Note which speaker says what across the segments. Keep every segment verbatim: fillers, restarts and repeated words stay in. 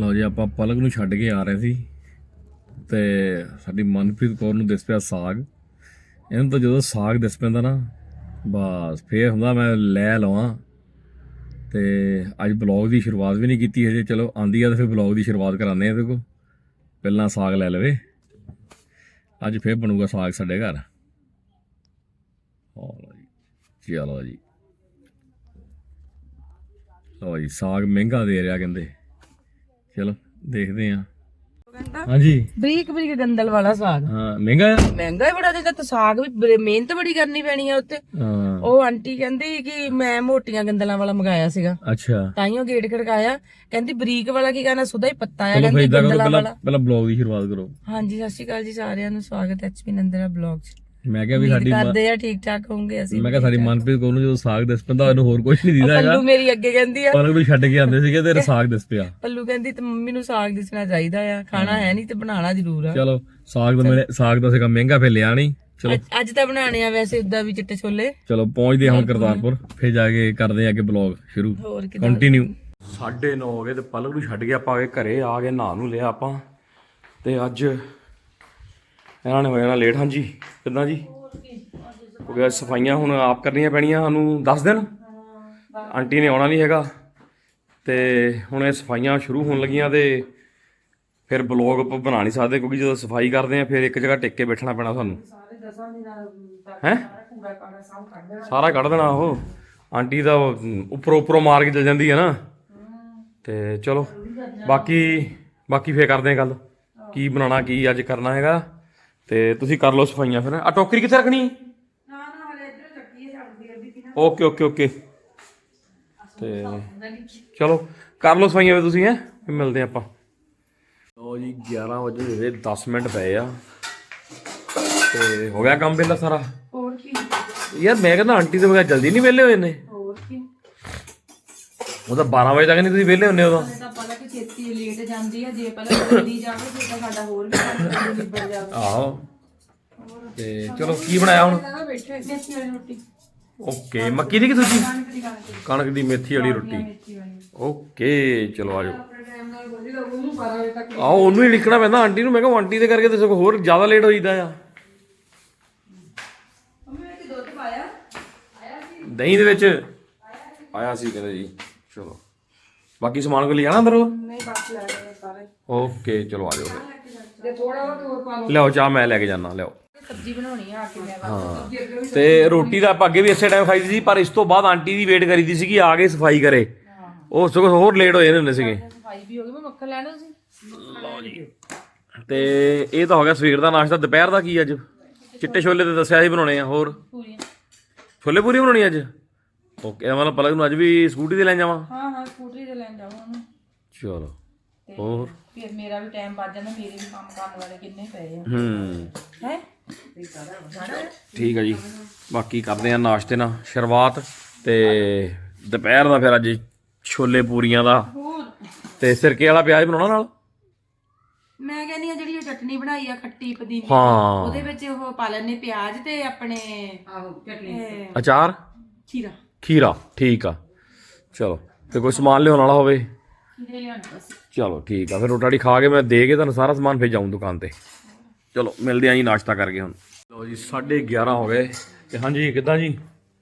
Speaker 1: ਲਓ ਜੀ ਆਪਾਂ ਪਲਕ ਨੂੰ ਛੱਡ ਕੇ ਆ ਰਹੇ ਸੀ ਤੇ ਸਾਡੀ ਮਨਪ੍ਰੀਤ ਕੌਰ ਨੂੰ ਦਿਸ ਪਿਆ ਸਾਗ। ਇਹਨੂੰ ਤਾਂ ਜਦੋਂ ਸਾਗ ਦਿਸ ਪੈਂਦਾ ਨਾ ਬਸ ਫੇਰ ਹੁੰਦਾ ਮੈਂ ਲੈ ਲਵਾਂ। ਤੇ ਅੱਜ ਬਲੌਗ ਦੀ ਸ਼ੁਰੂਆਤ ਵੀ ਨਹੀਂ ਕੀਤੀ ਹਜੇ, ਚਲੋ ਆਂਦੀ ਆ ਤਾਂ ਫਿਰ ਬਲੌਗ ਦੀ ਸ਼ੁਰੂਆਤ ਕਰਾਉਂਦੇ ਆ। ਇਹਦੇ ਕੋਲ ਪਹਿਲਾਂ ਸਾਗ ਲੈ ਲਵੇ। ਅੱਜ ਫੇਰ ਬਣੂਗਾ ਸਾਗ ਸਾਡੇ ਘਰ। ਲਓ ਜੀ ਚਲੋ ਜੀ ਲਓ ਜੀ ਸਾਗ ਮਹਿੰਗਾ ਦੇ ਰਿਹਾ ਕਹਿੰਦੇ। ਚਲੋ ਦੇਖਦੇ ਹਾਂ। ਹਾਂਜੀ
Speaker 2: ਬਰੀਕ ਬਰੀਕ ਗੰਦਲ ਵਾਲਾ ਸਾਗ।
Speaker 1: ਹਾਂ ਮਹਿੰਗਾ ਆ।
Speaker 2: ਮਹਿੰਗਾ ਹੀ ਬੜਾ ਤੇ ਸਾਗ ਵੀ ਮਿਹਨਤ ਬੜੀ ਕਰਨੀ ਪੈਣੀ ਆ ਉੱਤੇ।
Speaker 1: ਹਾਂ
Speaker 2: ਉਹ ਆਂਟੀ ਕਹਿੰਦੀ ਕਿ ਮੈਂ ਮੋਟੀਆਂ ਗੰਦਲਾਂ ਵਾਲਾ ਮੰਗਾਇਆ ਸੀਗਾ,
Speaker 1: ਅੱਛਾ
Speaker 2: ਤਾਈਓ ਗੇਟ ਖੜਕਾਇਆ। ਕਹਿੰਦੀ ਬਰੀਕ ਵਾਲਾ ਕੀ ਕਹਿਣਾ, ਸੁਦਾ ਹੀ ਪੱਤਾ ਆ।
Speaker 1: ਚਲੋ ਫਿਰ
Speaker 2: ਕਹਿੰਦੀ
Speaker 1: ਏਦਾਂ ਕਰੋ,
Speaker 2: ਗੰਦਲਾਂ
Speaker 1: ਪਹਿਲਾਂ
Speaker 2: ਵਾਲਾ।
Speaker 1: ਪਹਿਲਾਂ ਬਲੌਗ ਦੀ ਸ਼ੁਰੂਆਤ ਕਰੋ।
Speaker 2: ਹਾਂਜੀ ਸਤਿ ਸ਼੍ਰੀ ਅਕਾਲ ਜੀ ਸਾਰਿਆਂ ਨੂੰ, ਸਵਾਗਤ ਹੈ ਐਚਪੀ ਨੰਦਰਾ ਬਲੌਗ 'ਚ।
Speaker 1: ਮੈਂ ਕਿਹਾ ਵੀ ਸਾਡੀ
Speaker 2: ਕਰਦੇ ਆ ਠੀਕ ਠਾਕ ਹੋਣਗੇ ਅਸੀਂ।
Speaker 1: ਮੈਂ ਕਿਹਾ ਸਾਡੀ ਮਨਪ੍ਰੀਤ ਕੌਰ ਨੂੰ ਜਦੋਂ ਸਾਗ ਦਿਸ ਪੈਂਦਾ ਇਹਨੂੰ ਹੋਰ ਕੁਝ ਨਹੀਂ ਦਿਖਦਾ ਹੈਗਾ।
Speaker 2: ਪੱਲੂ ਮੇਰੀ ਅੱਗੇ ਕਹਿੰਦੀ ਆ,
Speaker 1: ਪਲਕ ਨੂੰ ਛੱਡ ਕੇ ਆਉਂਦੇ ਸੀਗੇ ਤੇ ਸਾਗ ਦਿਸ ਪਿਆ।
Speaker 2: ਪੱਲੂ ਕਹਿੰਦੀ ਤੇ ਮੰਮੀ ਨੂੰ ਸਾਗ ਦਿਸਣਾ ਚਾਹੀਦਾ ਆ, ਖਾਣਾ ਹੈ ਨਹੀਂ ਤੇ ਬਣਾਉਣਾ ਜ਼ਰੂਰ ਆ।
Speaker 1: ਚਲੋ ਸਾਗ ਤਾਂ ਮੇਰੇ ਸਾਗ ਦਾ ਸੀਗਾ ਮਹਿੰਗਾ, ਫਿਰ ਲਿਆ ਨਹੀਂ। ਚਲੋ
Speaker 2: ਅੱਜ- ਅੱਜ ਤਾਂ ਬਣਾਣੇ ਆ ਵੈਸੇ ਉਦਾਂ ਵੀ ਚਿੱਟੇ ਛੋਲੇ।
Speaker 1: ਚਲੋ ਪਹੁੰਚਦੇ ਹਾਂ ਹੁਣ ਕਰਤਾਰਪੁਰ, ਫਿਰ ਜਾ ਕੇ ਕਰਦੇ ਆ ਅੱਗੇ ਬਲੌਗ ਸ਼ੁਰੂ।
Speaker 2: ਹੋਰ ਕਿਦਾਂ
Speaker 1: ਕੰਟੀਨਿਊ। ਸਾਢੇ ਨੌ ਹੋ ਗਏ ਤੇ ਪਲਕ ਨੂੰ ਛੱਡ ਕੇ ਆਪਾਂ ਆ ਗਏ ਘਰੇ। ਆ ਕੇ ਨਹਾ ਨੂੰ ਲਿਆ ਆਪਾਂ ਤੇ ਅੱਜ ਇਹਨਾਂ ਨੇ ਹੋ ਜਾਣਾ ਲੇਟ। ਹਾਂਜੀ ਕਿੱਦਾਂ ਜੀ ਹੋ ਗਿਆ? ਸਫਾਈਆਂ ਹੁਣ ਆਪ ਕਰਨੀਆਂ ਪੈਣੀਆਂ ਸਾਨੂੰ ਦਸ ਦਿਨ। ਆਂਟੀ ਨੇ ਆਉਣਾ ਨਹੀਂ ਹੈਗਾ ਤੇ ਹੁਣ ਇਹ ਸਫਾਈਆਂ ਸ਼ੁਰੂ ਹੋਣ ਲੱਗੀਆਂ ਤੇ ਫਿਰ ਬਲੌਗ ਆਪਾਂ ਬਣਾ ਨਹੀਂ ਸਕਦੇ ਕਿਉਂਕਿ ਜਦੋਂ ਸਫਾਈ ਕਰਦੇ ਆ ਫਿਰ ਇੱਕ ਜਗ੍ਹਾ ਟਿਕ ਕੇ ਬੈਠਣਾ ਪੈਣਾ ਸਾਨੂੰ। ਹੈਂ ਸਾਰਾ ਕੱਢ ਦੇਣਾ ਉਹ। ਆਂਟੀ ਦਾ ਉੱਪਰੋਂ ਉੱਪਰੋਂ ਮਾਰ ਕੇ ਚਲ ਜਾਂਦੀ ਹੈ ਨਾ। ਤੇ ਚਲੋ ਬਾਕੀ ਬਾਕੀ ਫੇਰ ਕਰਦੇ ਆ ਗੱਲ ਕੀ ਬਣਾਉਣਾ ਕੀ ਅੱਜ ਕਰਨਾ ਹੈਗਾ। ਤੇ ਤੁਸੀਂ ਕਰ ਲਓ ਸਫਾਈਆਂ। ਫਿਰ ਆ ਟੋਕਰੀ ਕਿੱਥੇ ਰੱਖਣੀ? ਓਕੇ ਓਕੇ ਓਕੇ ਤੇ ਚਲੋ ਕਰ ਲਓ ਸਫਾਈਆਂ ਫਿਰ ਤੁਸੀਂ। ਹੈਂ ਫਿਰ ਮਿਲਦੇ ਆਪਾਂ। ਲਓ ਜੀ ਗਿਆਰਾਂ ਵਜੇ ਹੋਏ ਦਸ ਮਿੰਟ ਪਏ ਆ ਤੇ ਹੋ ਗਿਆ ਕੰਮ ਪਹਿਲਾਂ ਸਾਰਾ।
Speaker 2: ਹੋਰ ਕੀ
Speaker 1: ਯਾਰ ਮੈਂ ਕਹਿੰਦਾ ਆਂਟੀ ਦੇ ਬਗੈਰ ਜਲਦੀ ਨਹੀਂ ਵਿਹਲੇ ਹੋਏ ਨੇ।
Speaker 2: ਹੋਰ ਕੀ
Speaker 1: ਉਹ ਤਾਂ ਬਾਰਾਂ ਵਜੇ ਤੱਕ ਨਹੀਂ ਤੁਸੀਂ ਵਿਹਲੇ ਹੁੰਦੇ। ਉਦੋਂ
Speaker 2: ਤਾਂ ਪਲਕ ਛੇਤੀ ਲੇਟ ਜਾਂਦੀ ਆ, ਜੇ ਪਲਕ ਜਲਦੀ ਜਾਵੇ ਫਿਰ ਤਾਂ ਸਾਡਾ ਹੋਰ ਵੀ ਕੰਮ ਨਿਬੜ ਜਾਵੇ।
Speaker 1: ਆਹੋ ਤੇ ਚਲੋ ਕੀ ਬਣਾਇਆ ਹੁਣ?
Speaker 2: ਬੈਠੇ ਦੇਸੀ ਵਾਲੀ ਰੋਟੀ।
Speaker 1: ਓਕੇ ਮੱਕੀ ਦੀ ਕਿ ਦੂਜੀ? ਕਣਕ ਦੀ ਮੇਥੀ ਵਾਲੀ ਰੋਟੀ। ਓਕੇ ਚਲੋ ਆ ਜਾਓ। ਆਹੋ ਉਹਨੂੰ ਹੀ ਲਿਖਣਾ ਪੈਂਦਾ ਆਂਟੀ ਨੂੰ। ਮੈਂ ਕਿਹਾ ਆਂਟੀ ਦੇ ਕਰਕੇ ਤੇ ਸਗੋਂ ਹੋਰ ਜ਼ਿਆਦਾ ਲੇਟ ਹੋ ਜਾਂਦਾ ਆ। ਦਹੀਂ ਦੇ ਵਿੱਚ ਆਇਆ ਸੀ ਕਹਿੰਦੇ ਜੀ। ਚਲੋ ਬਾਕੀ ਸਮਾਨ ਕੋ ਲੈ ਜਾਣਾ ਅੰਦਰ? ਓਕੇ ਚਲੋ ਆ ਜਾਓ ਫਿਰ। ਲਿਆਓ ਚਾਹ ਮੈਂ ਲੈ ਕੇ ਜਾਣਾ। ਲਿਆਓ
Speaker 2: ਸਬਜ਼ੀ ਬਣਾਉਣੀ ਆ ਕੇ ਮੈਂ।
Speaker 1: ਹਾਂ ਤੇ ਰੋਟੀ ਤਾਂ ਆਪਾਂ ਅੱਗੇ ਵੀ ਇਸੇ ਟਾਈਮ ਖਾਈ ਸੀ, ਪਰ ਇਸ ਤੋਂ ਬਾਅਦ ਆਂਟੀ ਦੀ ਵੇਟ ਕਰੀ ਦੀ ਸੀਗੀ ਆ ਕੇ ਸਫਾਈ ਕਰੇ। ਉਹ ਸਗੋਂ ਹੋਰ ਲੇਟ ਹੋ ਜਾਂਦੇ ਹੁੰਦੇ ਸੀਗੇ।
Speaker 2: ਸਫਾਈ ਵੀ ਹੋ ਗਈ। ਮੈਂ ਮੱਖਣ ਲੈਣਾ ਸੀ।
Speaker 1: ਲਓ ਜੀ ਤੇ ਇਹ ਤਾਂ ਹੋ ਗਿਆ ਸਵੇਰ ਦਾ ਨਾਸ਼ਤਾ। ਦੁਪਹਿਰ ਦਾ ਕੀ ਅੱਜ? ਚਿੱਟੇ ਛੋਲੇ ਤੇ ਦੱਸਿਆ ਸੀ ਬਣਾਉਣੇ ਆ। ਹੋਰ
Speaker 2: ਪੂਰੀਆਂ
Speaker 1: ਛੋਲੇ ਪੂਰੀ ਬਣਾਉਣੀ ਅੱਜ? ਓਕੇ ਮਤਲਬ ਪਲਕ ਨੂੰ ਅੱਜ ਵੀ ਸਕੂਟੀ ਤੇ ਲੈ ਜਾਵਾਂ?
Speaker 2: ਹਾਂ ਹਾਂ ਸਕੂਟਰੀ ਤੇ ਲੈਣ ਜਾਵਾਂ ਉਹਨੂੰ।
Speaker 1: ਚਲੋ ਹੋਰ
Speaker 2: ਫਿਰ ਮੇਰਾ ਵੀ ਟਾਈਮ ਬਚ ਜਾਂਦਾ। ਮੇਰੇ ਵੀ ਕੰਮ ਕਰਨ ਵਾਲੇ ਕਿੰਨੇ ਪਏ ਆ।
Speaker 1: ਹੂੰ
Speaker 2: ਹੈ
Speaker 1: ਠੀਕ ਆ ਜੀ। ਬਾਕੀ ਕਰਦੇ ਆ ਨਾਸ਼ਤੇ ਨਾਲ ਸ਼ੁਰੂਆਤ ਤੇ ਦੁਪਹਿਰ ਦਾ ਫਿਰ ਅੱਜ ਛੋਲੇ ਪੂਰੀਆਂ ਦਾ ਤੇ ਸਿਰਕੇ ਵਾਲਾ ਪਿਆਜ਼ ਬਣਾਉਣਾ ਨਾਲ।
Speaker 2: ਮੈਂ ਕਹਿੰਦੀ ਆ ਜਿਹੜੀ ਚਟਨੀ ਬਣਾਈ ਆ ਖੱਟੀ ਪੁਦੀਨੇ
Speaker 1: ਹਾਂ
Speaker 2: ਉਹਦੇ ਵਿੱਚ ਉਹ ਪਾ ਲੈਣੇ ਪਿਆਜ਼ ਤੇ ਆਪਣੇ
Speaker 1: ਅਚਾਰ
Speaker 2: ਖੀਰਾ।
Speaker 1: ਖੀਰਾ ਠੀਕ ਆ। ਚਲੋ ਤੇ ਕੋਈ ਸਮਾਨ ਲਿਆਉਣ ਵਾਲਾ ਹੋਵੇ?
Speaker 2: ਖੀਰੇ ਲਿਆਉਣੇ ਬਸ।
Speaker 1: ਚਲੋ ਠੀਕ ਆ ਫਿਰ ਰੋਟੀ ਖਾ ਕੇ ਮੈਂ ਦੇ ਕੇ ਤੁਹਾਨੂੰ ਸਾਰਾ ਸਮਾਨ ਫਿਰ ਜਾਊਂ ਦੁਕਾਨ ਤੇ। ਚਲੋ ਮਿਲਦੇ ਆ ਜੀ ਨਾਸ਼ਤਾ ਕਰਕੇ ਹੁਣ। ਲਓ ਜੀ ਸਾਢੇ ਗਿਆਰਾਂ ਹੋ ਗਏ ਤੇ ਹਾਂਜੀ ਕਿੱਦਾਂ ਜੀ?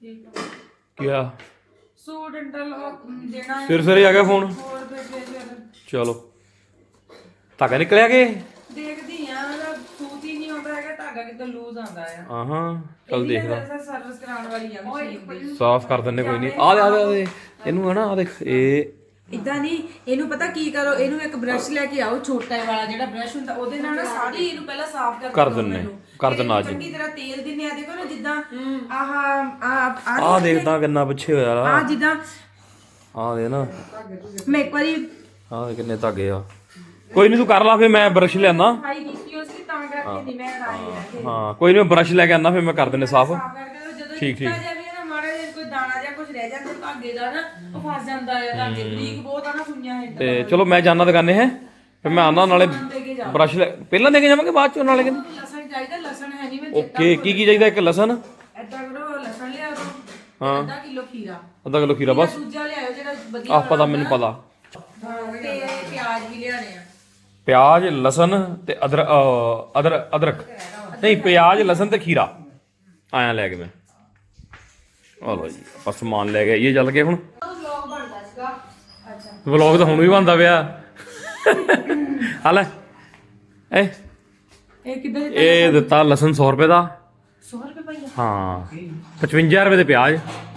Speaker 1: ਕੀ ਆ
Speaker 2: ਸੂਟ ਇੰਟਰਲ ਦੇਣਾ
Speaker 1: ਫਿਰ ਸਵੇਰੇ ਆ ਗਿਆ ਫੋਨ।
Speaker 2: ਹੋਰ ਫਿਰ
Speaker 1: ਚਲੋ ਧਾਗਾ ਨਿਕਲਿਆ ਕਿ?
Speaker 2: ਦੇਖਦੀ ਆ ਉਹਦਾ ਸੂਤ ਹੀ ਨਹੀਂ ਆਉਂਦਾ ਹੈਗਾ, ਧਾਗਾ ਕਿਤੇ ਲੂਜ਼ ਆਉਂਦਾ ਆ।
Speaker 1: ਹਾਂ ਹਾਂ ਚੱਲ ਦੇਖਦਾ।
Speaker 2: ਸਰਵਿਸ ਕਰਾਉਣ ਵਾਲੀ ਆ ਮਸ਼ੀਨ ਦੀ।
Speaker 1: ਸਾਫ਼ ਕਰ ਦਿੰਨੇ ਕੋਈ ਨਹੀਂ। ਆ ਦੇ ਆ ਦੇ ਆ ਦੇ ਇਹਨੂੰ ਹੈ ਨਾ। ਆ ਦੇਖ ਇਹ
Speaker 2: ਇਦਾਂ ਨਹੀਂ, ਇਹਨੂੰ ਪਤਾ ਕੀ ਕਰੋ, ਇਹਨੂੰ ਇੱਕ ਬ੍ਰਸ਼ ਲੈ ਕੇ ਆਓ ਛੋਟਾ ਵਾਲਾ ਜਿਹੜਾ ਬ੍ਰਸ਼ ਹੁੰਦਾ, ਉਹਦੇ ਨਾਲ ਨਾ ਸਾਰੀ ਇਹਨੂੰ ਪਹਿਲਾਂ ਸਾਫ਼ ਕਰ
Speaker 1: ਕਰ ਦਿੰਨੇ ਕਰ ਦਿੰਨਾ ਅੱਜ।
Speaker 2: ਚੰਗੀ ਤਰ੍ਹਾਂ ਤੇਲ ਦਿੰਨੇ ਆ। ਦੇਖੋ ਨਾ ਜਿੱਦਾਂ ਆਹ ਆ
Speaker 1: ਆ ਦੇਖਦਾ ਕਿੰਨਾ ਪਿੱਛੇ ਹੋਇਆ
Speaker 2: ਆ
Speaker 1: ਆ।
Speaker 2: ਜਿੱਦਾਂ
Speaker 1: ਆ ਦੇ ਨਾ
Speaker 2: ਮੈਂ ਇੱਕ ਵਾਰੀ
Speaker 1: ਆ ਕਿੰਨੇ ਧਾਗੇ ਆ। ਕੋਈ ਨਹੀਂ ਤੂੰ ਕਰ ਲਾ ਫਿਰ ਮੈਂ ਬਰਸ਼ ਲਿਆਣਾ।
Speaker 2: ਸਫਾਈ ਕੀਤੀ ਉਸ ਦੀ ਤਾਂ ਕਰਕੇ ਨਹੀਂ ਮੈਂ ਲਾਈ।
Speaker 1: ਹਾਂ ਕੋਈ ਨਹੀਂ ਮੈਂ ਬਰਸ਼ ਲੈ ਕੇ ਆਣਾ ਫਿਰ ਮੈਂ ਕਰ ਦਿੰਨੇ ਸਾਫ਼।
Speaker 2: ਠੀਕ ਠੀਕ ਮਾੜਾ ਜਿਹਾ ਕੋਈ ਦਾਣਾ ਜਾਂ ਕੁਝ ਰਹਿ ਜਾਂਦਾ ਧਾਗੇ ਦਾ ਨਾ, ਉਹ ਫਸ ਜਾਂਦਾ ਆ। ਧਾਗੇ ਬਰੀਕ ਬਹੁਤ ਆ ਨਾ ਸੁਈਆਂ ਹੈ।
Speaker 1: ਤੇ ਚਲੋ ਮੈਂ ਜਾਣਾ ਦੁਕਾਨੇ ਹੈ ਫਿਰ ਮੈਂ ਆਉਂਦਾ ਨਾਲੇ ਬਰਸ਼ ਲੈ ਪਹਿਲਾਂ ਦੇ ਕੇ ਜਾਵਾਂਗੇ ਬਾਅਦ ਚੋਂ ਨਾਲੇ ਕਹਿੰਦੇ।
Speaker 2: ਲਸਣ ਚਾਹੀਦਾ, ਲਸਣ ਹੈ ਨਹੀਂ। ਮੈਂ
Speaker 1: ਓਕੇ ਕੀ ਕੀ ਚਾਹੀਦਾ? ਇੱਕ ਲਸਣ।
Speaker 2: ਏਦਾਂ ਕਰੋ ਲਸਣ ਲਿਆ ਕਰੋ।
Speaker 1: ਹਾਂ
Speaker 2: ਅੱਧਾ ਕਿਲੋ ਖੀਰਾ।
Speaker 1: ਅੱਧਾ ਕਿਲੋ ਖੀਰਾ ਬਸ।
Speaker 2: ਦੂਜਾ ਲਿਆਓ ਜਿਹੜਾ ਵਧੀਆ
Speaker 1: ਆਹ ਪਤਾ ਮੈਨੂੰ ਪਤਾ।
Speaker 2: ਤੇ ਪਿਆਜ਼ ਪਿਆਜ਼ ਵੀ ਲਿਆਣੇ ਆ।
Speaker 1: ਪਿਆਜ਼ ਲਸਣ ਤੇ ਅਦਰ ਅ, ਅਦਰ ਅਦਰਕ ਨਹੀਂ ਪਿਆਜ਼ ਲਸਣ ਤੇ ਖੀਰਾ ਆਇਆ ਲੈ ਕੇ ਮੈਂ ਆ ਲੋ ਜੀ ਆਪਾਂ ਸਮਾਨ ਲੈ ਕੇ ਆਈਏ ਚੱਲ ਕੇ ਹੁਣ
Speaker 2: ਵਲੌਗ ਬਣਦਾ ਸੀਗਾ। ਅੱਛਾ
Speaker 1: ਵਲੌਗ ਤਾਂ ਹੁਣ ਵੀ ਬਣਦਾ ਪਿਆ ਆ ਲੈ ਇਹ
Speaker 2: ਇਹ ਕਿੱਦਾਂ
Speaker 1: ਇਹ ਦਿੱਤਾ ਲਸਣ ਸੌ ਰੁਪਏ ਦਾ
Speaker 2: ਸੌ ਰੁਪਏ ਪਈਆ
Speaker 1: ਹਾਂ ਪਚਵੰਜਾ ਰੁਪਏ ਦੇ ਪਿਆਜ਼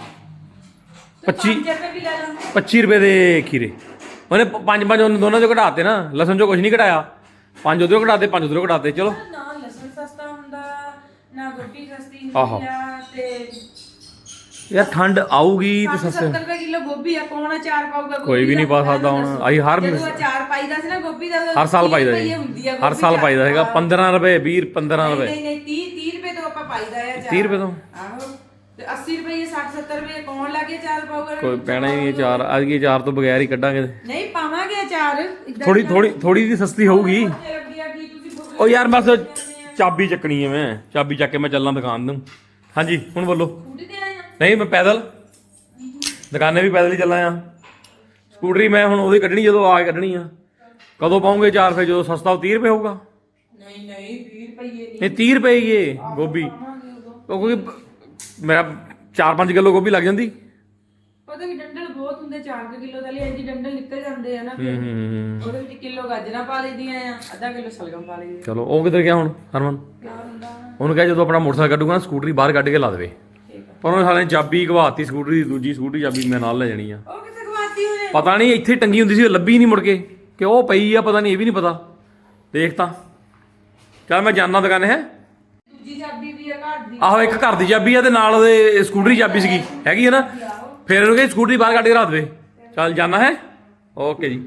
Speaker 1: ਪੱਚੀ
Speaker 2: ਰੁਪਏ ਵੀ ਲੈ ਲਾਂ।
Speaker 1: ਪੱਚੀ ਰੁਪਏ ਦੇ ਖੀਰੇ ਉਹਨੇ ਪ- ਪੰਜ ਪੰਜ ਉਹਨਾਂ ਦੋਨਾਂ ਚੋਂ ਘਟਾਤੇ ਨਾ ਲਸਣ ਚੋਂ ਕੁਝ ਨਹੀਂ ਘਟਾਇਆ ਪੰਜ ਉਧਰੋਂ ਘਟਾਤੇ ਪੰਜ ਉਧਰੋਂ ਘਟਾਤੇ ਚਲੋ
Speaker 2: ਨਾ ਲਸਣ ਸਸਤਾ ਹੁੰਦਾ ਨਾ ਗੋਭੀ ਸਸਤੀ
Speaker 1: ਆਹੋ।
Speaker 2: ਹੁੰਦੀ ਆ ਤੇ
Speaker 1: ਯਾਰ ਠੰਡ ਆਊਗੀ ਤੇ ਸਸਤੇ
Speaker 2: ਸੱਤਰ ਰੁਪਏ ਕਿਲੋ ਗੋਭੀ ਆ ਕੌਣ ਅਚਾਰ ਪਾਊਗਾ ਗੋਭੀ
Speaker 1: ਕੋਈ ਵੀ ਨਹੀਂ
Speaker 2: ਦਾ?
Speaker 1: ਪਾ ਸਕਦਾ ਹੁਣ ਅਸੀਂ ਹਰ
Speaker 2: ਜਦੋਂ ਅਚਾਰ ਪਾਈਦਾ ਸੀ ਨਾ ਗੋਭੀ ਦਾ
Speaker 1: ਹਰ ਸਾਲ ਪਾਈਦਾ
Speaker 2: ਤੀਹ
Speaker 1: ਜੀ
Speaker 2: ਰੁਪਈਏ ਹੁੰਦੀ ਆ
Speaker 1: ਹਰ
Speaker 2: ਗੋਭੀ
Speaker 1: ਸਾਲ
Speaker 2: ਦਾ।
Speaker 1: ਪਾਈਦਾ ਹੈਗਾ ਪੰਦਰਾਂ ਰੁਪਏ ਵੀਹ ਪੰਦਰਾਂ
Speaker 2: ਨਹੀਂ
Speaker 1: ਰੁਪਏ
Speaker 2: ਨਹੀਂ ਨਹੀਂ ਤੀਹ ਤੀਹ ਰੁਪਏ ਤੋਂ ਆਪਾਂ ਪਾਈਦਾ ਆ ਅਚਾਰ
Speaker 1: ਤੀਹ ਰੁਪਏ ਤੋਂ
Speaker 2: ਆਹੋ ਤੇ ਅੱਸੀ ਰੁਪਏ ਸੱਠ ਸੱਤਰ ਰੁਪਏ ਕੌਣ ਲਾ ਕੇ ਅਚਾਰ ਪਾਊਗਾ?
Speaker 1: ਕੋਈ ਪੈਣਾ ਹੀ ਨਹੀਂ ਅਚਾਰ ਅੱਜ ਕੀ ਅਚਾਰ ਤੋਂ ਬਗੈਰ ਹੀ ਕੱਢਾਂਗੇ
Speaker 2: ਨਹੀਂ ਪਾਵਾਂਗੇ ਅਚਾਰ ਏਦਾਂ
Speaker 1: ਥੋੜੀ ਥੋੜੀ ਥੋੜੀ ਦੀ ਸਸਤੀ ਹੋਊਗੀ
Speaker 2: ਬੱਚੇ ਰੱਖੀ ਆ ਕੀ ਤੁਸੀਂ ਬੁੱਕ
Speaker 1: ਉਹ ਯਾਰ ਬਸ ਚਾਬੀ ਚੱਕਣੀ ਹੈ ਮੈਂ ਚਾਬੀ ਚੱਕ ਕੇ ਮੈਂ ਚੱਲਾਂ ਦੁਕਾਨ ਨੂੰ ਹਾਂਜੀ ਹੁਣ ਬੋਲੋ
Speaker 2: ਸਕੂਟੀ ਤੇ ਆਏ ਆ
Speaker 1: ਨਹੀਂ ਮੈਂ ਪੈਦਲ ਦੁਕਾਨੇ ਵੀ ਪੈਦਲ ਹੀ ਚੱਲਾਂ ਆ ਸਕੂਟਰੀ ਮੈਂ ਹੁਣ ਉਹਦੀ ਕੱਢਣੀ ਜਦੋਂ ਆ ਕੇ ਕੱਢਣੀ ਆ ਕਦੋਂ ਪਾਉਂਗੇ ਚਾਰ ਫਿਰ ਜਦੋਂ ਸਸਤਾ ਉਹ ਤੀਹ ਰੁਪਏ ਹੋਊਗਾ
Speaker 2: ਨਹੀਂ ਨਹੀਂ ਵੀਹ ਰੁਪਏ ਨਹੀਂ
Speaker 1: ਨਹੀਂ ਤੀਹ ਰੁਪਏ ਹੀ ਇਹ ਗੋਭੀ
Speaker 2: ਪਾਵਾਂਗੇ ਉਦੋਂ
Speaker 1: ਉਹ ਕਿਉਂਕਿ ਮੇਰਾ ਚਾਰ ਪੰਜ ਕਿਲੋ ਗੋਭੀ ਲੱਗ ਜਾਂਦੀ
Speaker 2: ਪਤਾ ਕਿ ਡੰਡਲ ਬਹੁਤ ਹੁੰਦੇ ਚਾਰ ਕਿਲੋ ਦਾ ਲਈ ਇੰਜੀ ਡੰਡਲ ਨਿਕਲ ਜਾਂਦੇ ਆ ਨਾ
Speaker 1: ਹੂੰ ਹੂੰ ਹੂੰ
Speaker 2: ਉਹਦੇ ਵਿੱਚ ਕਿਲੋ ਗਾਜਰਾਂ ਪਾ ਲਈਦੀਆਂ ਆ ਅੱਧਾ ਕਿਲੋ ਸਲਗਮ ਪਾ ਲਈਦੀ
Speaker 1: ਚਲੋ ਉਹ ਕਿੱਧਰ ਗਿਆ ਹੁਣ ਹਰਮਨ
Speaker 2: ਪਿਆਰ ਹੁੰਦਾ
Speaker 1: ਉਹਨੂੰ ਕਿਹਾ ਜਦੋਂ ਆਪਣਾ ਮੋਟਰਸਾਈਕਲ ਕੱਢੂਗਾ ਨਾ ਸਕੂਟਰੀ ਬਾਹਰ ਕੱਢ ਕੇ ਲਾ ਦੇਵੇ ਪਰ ਉਹਨੇ ਸਾਲੇ ਨੇ ਚਾਬੀ ਘਵਾਤੀ ਸਕੂਟਰੀ ਦੀ ਦੂਜੀ ਸਕੂਟਰੀ ਚਾਬੀ ਮੈਂ ਨਾਲ ਲੈ ਜਾਣੀ ਆ
Speaker 2: ਉਹ ਕਿੱਥੇ ਗਵਾਤੀ ਉਹਨੇ
Speaker 1: ਪਤਾ ਨਹੀਂ ਇੱਥੇ ਟੰਗੀ ਹੁੰਦੀ ਸੀ ਉਹ ਲੱਭੀ ਨਹੀਂ ਮੁੜ ਕੇ ਕਿ ਉਹ ਪਈ ਆ ਪਤਾ ਨਹੀਂ ਇਹ ਵੀ ਨਹੀਂ ਪਤਾ ਦੇਖ ਤਾਂ ਚੱਲ ਮੈਂ ਜਾਣਾ ਦੁਕਾਨੇ ਹੈ
Speaker 2: ਦੂਜੀ ਚਾਬੀ ਵੀ ਆ ਘਰ ਦੀ
Speaker 1: ਆਹੋ ਇੱਕ ਘਰ ਦੀ ਚਾਬੀ ਆ ਤੇ ਨਾਲ ਉਹਦੇ ਸਕੂਟਰੀ ਚਾਬੀ ਸੀਗੀ ਹੈਗੀ ਆ ਨਾ ਫਿਰ ਉਹਨੂੰ ਕਹੀ ਸਕੂਟਰੀ ਬਾਹਰ ਕੱਢ ਕੇ ਰੱਖ ਦੇਵੇ ਚੱਲ ਜਾਣਾ ਹੈ ਓਕੇ ਜੀ